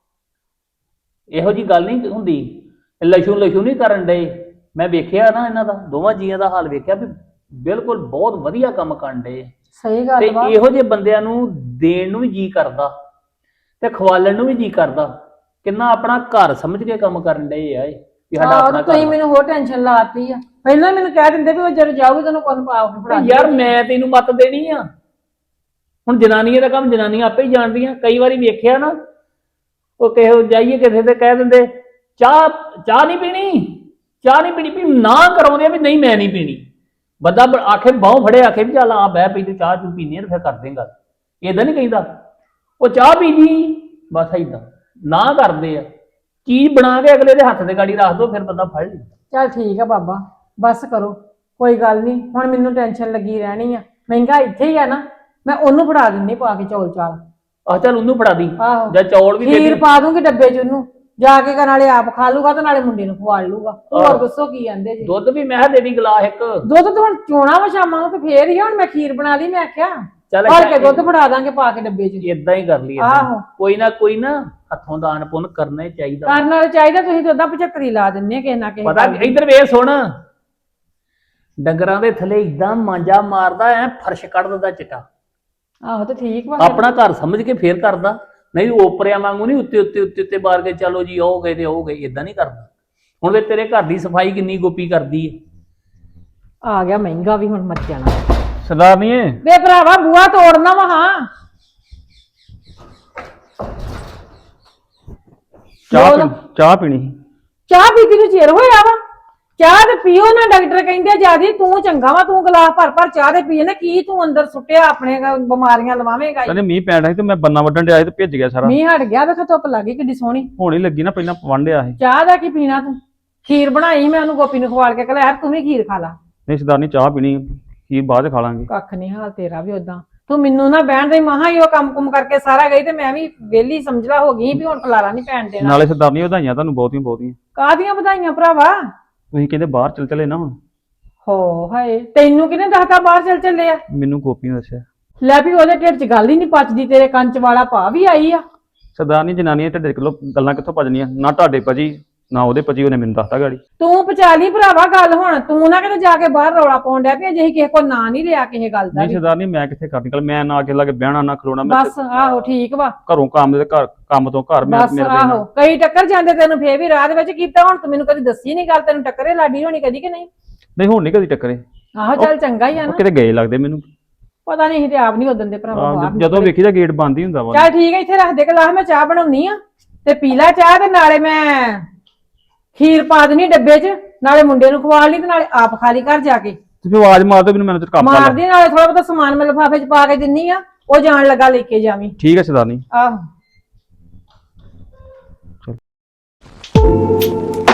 S2: ਇਹੋ ਜੀ ਗੱਲ ਨਹੀਂ ਹੁੰਦੀ। ਲਸ਼ੂ ਲਸ਼ੂ ਨਹੀਂ ਕਰਨ ਡਏ। ਮੈਂ ਵੇਖਿਆ ਨਾ ਇਹਨਾਂ ਦਾ ਦੋਵਾਂ ਜੀਆਂ ਦਾ ਹਾਲ ਵੇਖਿਆ ਵੀ ਬਿਲਕੁਲ ਬਹੁਤ ਵਧੀਆ ਕੰਮ ਕਰਨ ਡਏ।
S1: ਸਹੀ
S2: ਤੇ
S1: ਗੱਲ ਵਾ।
S2: ਇਹੋ ਜਿਹੇ ਬੰਦਿਆਂ ਨੂੰ ਦੇਣ ਨੂੰ ਵੀ ਜੀ ਕਰਦਾ ਤੇ ਖਵਾਲਣ ਨੂੰ ਵੀ ਜੀ ਕਰਦਾ। ਕਿੰਨਾ ਆਪਣਾ ਘਰ ਸਮਝ ਕੇ ਕੰਮ ਕਰਨ ਡਏ ਆ ਇਹ, ਵੀ ਸਾਡਾ
S1: ਆਹੋ
S2: ਆਪਣਾ
S1: ਤੇ ਤੁਸੀਂ
S2: ਘਰ।
S1: ਮੈਨੂੰ ਹੋਰ ਟੈਨਸ਼ਨ ਲਾਤੀ ਆ, ਪਹਿਲਾਂ ਮੈਨੂੰ ਕਹਿ ਦਿੰਦੇ ਵੀ ਉਹ ਜਦ ਜਾਊਗੀ ਤੈਨੂੰ ਕੁਝ ਪਾ ਕੇ ਫੜਾ
S2: ਤੇ ਯਾਰ ਮੈਂ ਤੈਨੂੰ ਮੱਤ ਦੇਣੀ ਆ। ਹੁਣ ਜਨਾਨੀਆਂ ਦਾ ਕੰਮ ਜਨਾਨੀਆਂ ਆਪੇ ਹੀ ਜਾਣਦੀਆਂ। ਕਈ ਵਾਰੀ ਵੇਖਿਆ ਨਾ, ਉਹ ਕਿਸੇ ਜਾਈਏ ਕਿਸੇ ਤੇ ਕਹਿ ਦਿੰਦੇ ਚਾਹ ਚਾਹ ਨਹੀਂ ਪੀਣੀ, ਚਾਹ ਨਹੀਂ ਪੀਣੀ, ਵੀ ਨਾ ਕਰਾਉਂਦੇ ਆ ਵੀ ਨਹੀਂ ਮੈਂ ਨਹੀਂ ਪੀਣੀ। ਬੰਦਾ ਬ- ਆਖੇ ਬਾਹੋਂ ਫੜੇ, ਆਖੇ ਵੀ ਚੱਲ ਆ ਬਹਿ ਪਈ ਤੂੰ ਚਾਹ ਚੂ ਪੀਣੀ ਆ ਤੇ ਫਿਰ ਕਰਦੇ ਗੱਲ। ਏਦਾਂ ਨਹੀਂ ਕਹਿੰਦਾ ਉਹ ਚਾਹ ਪੀਣੀ, ਬਸ ਏਦਾਂ ਨਾ ਕਰਦੇ ਆ। ਚੀਜ਼ ਬਣਾ ਕੇ ਅਗਲੇ ਦੇ ਹੱਥ ਦੇ ਗਾੜੀ ਰੱਖ ਦੋ, ਫਿਰ ਬੰਦਾ ਫੜ ਲੈਂਦਾ।
S1: ਚੱਲ ਠੀਕ ਆ ਬਾਬਾ, ਬਸ ਕਰੋ, ਕੋਈ ਗੱਲ ਨਹੀਂ। ਹੁਣ ਮੈਨੂੰ ਟੈਨਸ਼ਨ ਲੱਗੀ ਰਹਿਣੀ ਆ, ਮਹਿੰਗਾ ਇੱਥੇ ਹੀ ਆ ਨਾ, ਮੈਂ ਉਹਨੂੰ ਫੜਾ ਦਿੰਦੀ ਪਾ ਕੇ ਚੌਲ ਚਾਲ।
S2: ਆਹ ਚੱਲ ਉਹਨੂੰ ਫੜਾ ਦੀ
S1: ਆਹੋ
S2: ਜਾਂ ਚੌਲ ਵੀ ਦੇ
S1: ਖੀਰ
S2: ਦੀ।
S1: ਪਾ ਦੂੰਗੀ ਡੱਬੇ 'ਚ ਉਹਨੂੰ, ਜਾ ਕੇ ਨਾਲੇ ਆਪ ਖਾ ਲੂਗਾ ਤੇ ਨਾਲੇ ਮੁੰਡੇ ਨੂੰ ਖਵਾ ਲੂਗਾ। ਹੋਰ
S2: ਆਹੋ।
S1: ਦੱਸੋ ਕੀ ਕਹਿੰਦੇ ਜੀ।
S2: ਦੁੱਧ ਵੀ ਮੈਂ ਕਿਹਾ ਦੇ ਦੀ ਗਲਾਸ ਇੱਕ।
S1: ਦੁੱਧ ਤਾਂ ਹੁਣ ਚੋਣਾ ਵਾ ਸ਼ਾਮਾਂ ਨੂੰ ਤੇ ਫੇਰ ਹੀ ਆ, ਹੁਣ ਮੈਂ ਖੀਰ ਬਣਾ ਲਈ, ਮੈਂ ਆਖਿਆ
S2: ਚੱਲ
S1: ਭਰ ਕੇ ਦੁੱਧ ਫੜਾ ਦਾਂਗੇ ਪਾ ਕੇ ਡੱਬੇ 'ਚ।
S2: ਏਦਾਂ ਹੀ ਕਰ ਲਈ।
S1: ਆਹੋ
S2: ਕੋਈ ਨਾ ਕੋਈ ਨਾ ਹੱਥੋਂ ਦਾਨ ਪੁੰਨ ਕਰਨਾ ਹੀ ਚਾਹੀਦਾ।
S1: ਕਰਨ ਵਾਲੇ ਚਾਹੀਦਾ, ਤੁਸੀਂ ਤਾਂ ਉਹਦਾ ਪਝੱਤਰੀ ਲਾ ਦਿੰਦੇ ਆ ਕਿਸੇ ਨਾ ਕਿਸੇ
S2: ਪਤਾ
S1: ਗੱਲ ਦੀ।
S2: ਇੱਧਰ ਵੇਖ ਸੁਣ, ਡੰਗਰਾਂ ਦੇ ਥੱਲੇ ਇਦਾਂ ਮਾਂਜਾ ਮਾਰਦਾ ਐ, ਫਰਸ਼ ਕੱਢ ਦਿੰਦਾ ਚਿੱਟਾ।
S1: ਆਹੋ ਤੇ ਠੀਕ ਵਾ ਫਿਰ।
S2: ਆਪਣਾ ਘਰ ਸਮਝ ਕੇ ਫੇਰ ਕਰਦਾ, ਨਹੀਂ ਓਪਰਿਆਂ ਵਾਂਗੂ ਨਹੀਂ ਉੱਤੇ ਉੱਤੇ ਉੱਤੇ ਉੱਤੇ ਬਾਰ ਕੇ ਚਲੋ ਜੀ ਉਹ ਗਏ ਤੇ ਉਹ ਗਏ, ਇਦਾਂ ਨਹੀਂ ਕਰਦਾ। ਹੁਣ ਵੇ ਤੇਰੇ ਘਰ ਦੀ ਸਫਾਈ ਕਿੰਨੀ ਗੋਪੀ ਕਰਦੀ ਹੈ।
S1: ਆ ਗਿਆ ਮਹਿੰਗਾ ਵੀ ਹੁਣ ਮਰ ਜਾਣਾ।
S3: ਸਰਦਾਰਨੀਏ
S1: ਵੇ ਭਰਾਵਾ ਬੂਆ ਤੋੜਨਾ ਵਾ। ਹਾਂ
S3: ਚਾਹ
S1: ਬੋਲ।
S3: ਪੀ- ਚਾਹ ਪੀਣੀ ਸੀ।
S1: ਚਾਹ ਪੀਤੀ ਨੂੰ ਚਿਰ ਹੋਇਆ ਵਾ, ਚਾਹ ਤੇ ਪੀਓ ਨਾ, ਡਾਕਟਰ ਕਹਿੰਦੇ ਜਿਆਦੀ ਤੂੰ ਚੰਗਾ ਵਾ, ਤੂੰ ਗਲਾਸ ਭਰ ਭਰ ਚਾਹ ਦੇ ਪੀਏ ਨਾ, ਕੀ ਤੂੰ ਅੰਦਰ ਸੁੱਟਿਆ ਆਪਣੇ ਗ- ਬਿਮਾਰੀਆਂ ਲਵਾਵੇਂਗਾ।
S3: ਕਹਿੰਦੇ ਮੀਂਹ ਪੈਣ ਡਿਆ ਸੀ ਤੇ ਮੈਂ ਬੰਨਾ ਵੱਢਣ ਡਿਆ ਸੀ ਤੇ ਭਿੱਜ ਗਿਆ ਸਾਰਾ।
S1: ਮੀਂਹ ਹਟ ਗਿਆ, ਵੇਖ ਧੁੱਪ ਲੱਗੀ ਕਿੱਡੀ ਸੋਹਣੀ।
S3: ਹੁਣ ਹੀ ਲੱਗੀ ਨਾ, ਪਹਿਲਾਂ ਵੰਡਿਆ ਸੀ।
S1: ਚਾਹ ਦਾ ਕੀ ਪੀਣਾ ਤੂੰ? ਖੀਰ ਬਣਾਈ ਮੈਂ ਉਹਨੂੰ, ਗੋਪੀ ਨੂੰ ਖਵਾਲ ਕੇ ਕਹਿੰਦਾ ਤੂੰ ਵੀ ਖੀਰ ਖਾ ਲਾ।
S3: ਨਹੀਂ ਸਰਦਾਰਨੀ ਚਾਹ ਪੀਣੀ, ਖੀਰ ਬਾਅਦ ਚ ਖਾ ਲਾਂਗੇ।
S1: ਕੱਖ ਨਹੀਂ ਹਾਲ ਤੇਰਾ ਵੀ ਉਦਾਂ, ਤੂੰ ਮੈਨੂੰ ਨਾ ਬਹਿਣ ਦੇ। ਮਹਾ ਹੀ ਉਹ ਕੰਮ ਕੁਮ ਕਰਕੇ ਸਾਰਾ ਗਈ ਤੇ ਮੈਂ ਵੀ ਵਿਹਲੀ ਸਮਝਲਾ ਹੋ ਗਈ ਵੀ ਹੁਣ ਖਲਾਰਾ ਨਹੀਂ ਪੈਣ ਦੇਣਾ।
S3: ਨਾਲੇ ਸਰਦਾਰਨੀ ਵਧਾਈਆਂ ਤੁਹਾਨੂੰ ਬਹੁਤੀਆਂ ਬਹੁਤੀਆਂ।
S1: ਕਾਹਦੀਆਂ ਵਧਾਈਆਂ ਭਰਾਵਾ?
S3: ਤੁਸੀਂ ਕਹਿੰਦੇ ਬਾਹਰ ਚੱਲ ਚਲੇ ਨਾ ਹੁਣ।
S1: ਹੋ ਹਾਏ, ਤੈਨੂੰ ਕਿਹਨੇ ਦੱਸਤਾ ਬਾਹਰ ਚੱਲ ਚੱਲੇ ਆ?
S3: ਮੈਨੂੰ ਗੋਪੀ ਨੇ ਦੱਸਿਆ।
S1: ਲੈ ਵੀ ਉਹਦੇ ਢਿੱਡ 'ਚ ਗੱਲ ਹੀ ਨਹੀਂ ਪਚਦੀ, ਤੇਰੇ ਕੰਚ ਵਾਲਾ ਭਾ ਵੀ ਆਈ ਆ।
S3: ਸਰਦਾਰਨੀ ਜਨਾਨੀਆਂ ਢਿੱਡੇ ਕਿਲੋ ਗੱਲਾਂ ਕਿੱਥੋਂ ਭਜਣੀਆਂ, ਨਾ ਤੁਹਾਡੇ ਭਜੀ ਨਾ ਉਹਦੇ ਪਤੀ ਉਹਨੇ ਮੈਨੂੰ ਦੱਸਤਾ ਗਾੜੀ।
S1: ਤੂੰ ਪਚਾ ਲਈ ਭਰਾਵਾ ਗੱਲ, ਹੁਣ ਤੂੰ ਨਾ ਕਿਤੇ ਜਾ ਕੇ ਬਾਹਰ ਰੌਲਾ ਪਾਉਣ ਡਿਆ ਪਿਆ ਜੇ ਅਸੀਂ ਕਿਸੇ ਕੋ ਨਾਂ ਨਹੀਂ ਲਿਆ ਕਿਸੇ ਗੱਲ ਦਾ
S3: ਨਹੀਂ
S1: ਵੀ।
S3: ਸਰਦਾਰ ਨਹੀਂ, ਮੈਂ ਕਿੱਥੇ ਕਰਨੀ ਗੱਲ, ਮੈਂ ਨਾ ਕਿਸੇ ਲਾਗੇ ਬਹਿਣਾ ਨਾ ਖਲੋਣਾ, ਮੈਂ
S1: ਬਸ ਆਹੋ ਠੀਕ ਵਾ।
S3: ਘਰੋਂ ਕੰਮ ਦੇ ਘਰ, ਕੰਮ ਤੋਂ ਘਰ, ਮੈਂ
S1: ਬਸ
S3: ਮੇਰੇ
S1: ਆਹੋ ਕਈ ਟੱਕਰ ਜਾਂਦੇ ਤੈਨੂੰ ਫੇਰ ਵੀ ਰਾਹ ਦੇ ਵਿੱਚ ਕੀਤਾ, ਹੁਣ ਤੂੰ ਮੈਨੂੰ ਕਦੀ ਦੱਸੀ ਨਹੀਂ ਗੱਲ, ਤੈਨੂੰ ਟੱਕਰੇ ਲਾਡੀ ਹੋਣੀ ਕਦੀ ਕਿ ਨਹੀਂ?
S3: ਨਹੀਂ ਹੁਣ ਨਹੀਂ ਕਦੀ ਟੱਕਰੇ।
S1: ਆਹੋ ਚੱਲ ਚੰਗਾ ਹੀ ਆ
S3: ਉਹ
S1: ਨਾ,
S3: ਕਿਤੇ ਗਏ ਲੱਗਦੇ ਮੈਨੂੰ।
S1: ਪਤਾ ਨਹੀਂ ਸੀ ਤੇ ਆਪ ਨਹੀਂ ਉਦੋਂ ਦੇ ਭਰਾਵਾ
S3: ਆਹ,
S1: ਬਾਹਰ
S3: ਜਦੋਂ ਵੇਖੀ ਤਾਂ ਗੇਟ ਬੰਦ ਹੀ ਹੁੰਦਾ ਵਾ।
S1: ਚੱਲ ਠੀਕ ਹੈ, ਇੱਥੇ ਰੱਖ ਦੇ ਗਲਾਸ, ਮੈਂ ਚਾਹ ਬਣਾਉਣੀ ਆ ਤੇ ਪੀ ਲੈ ਚਾਹ, ਤੇ ਨਾਲੇ ਮੈਂ ਖੀਰ ਪਾ ਦੇਣੀ ਡੱਬੇ 'ਚ, ਨਾਲੇ ਮੁੰਡੇ ਨੂੰ ਖਵਾ ਲਈ ਤੇ ਨਾਲੇ ਆਪ ਖਾ ਲਈ ਘਰ ਜਾ ਕੇ।
S3: ਤੇ ਫਿਰ ਆਵਾਜ਼ ਮਾਰ ਦੋ ਮੈਨੂੰ, ਮੈਨੂੰ ਤੇ ਕੰਮ ਕਰ
S1: ਮਾਰਦੀ, ਨਾਲੇ ਥੋੜਾ ਬਹੁਤਾ ਸਮਾਨ ਮੈਂ ਲਿਫਾਫੇ 'ਚ ਪਾ ਕੇ ਦਿੰਨੀ ਆ, ਉਹ ਜਾਣ ਲੱਗਾ ਲੈ ਕੇ ਜਾਵੀਂ।
S3: ਠੀਕ ਹੈ ਸਰਦਾਰਨੀ।
S1: ਆਹੋ।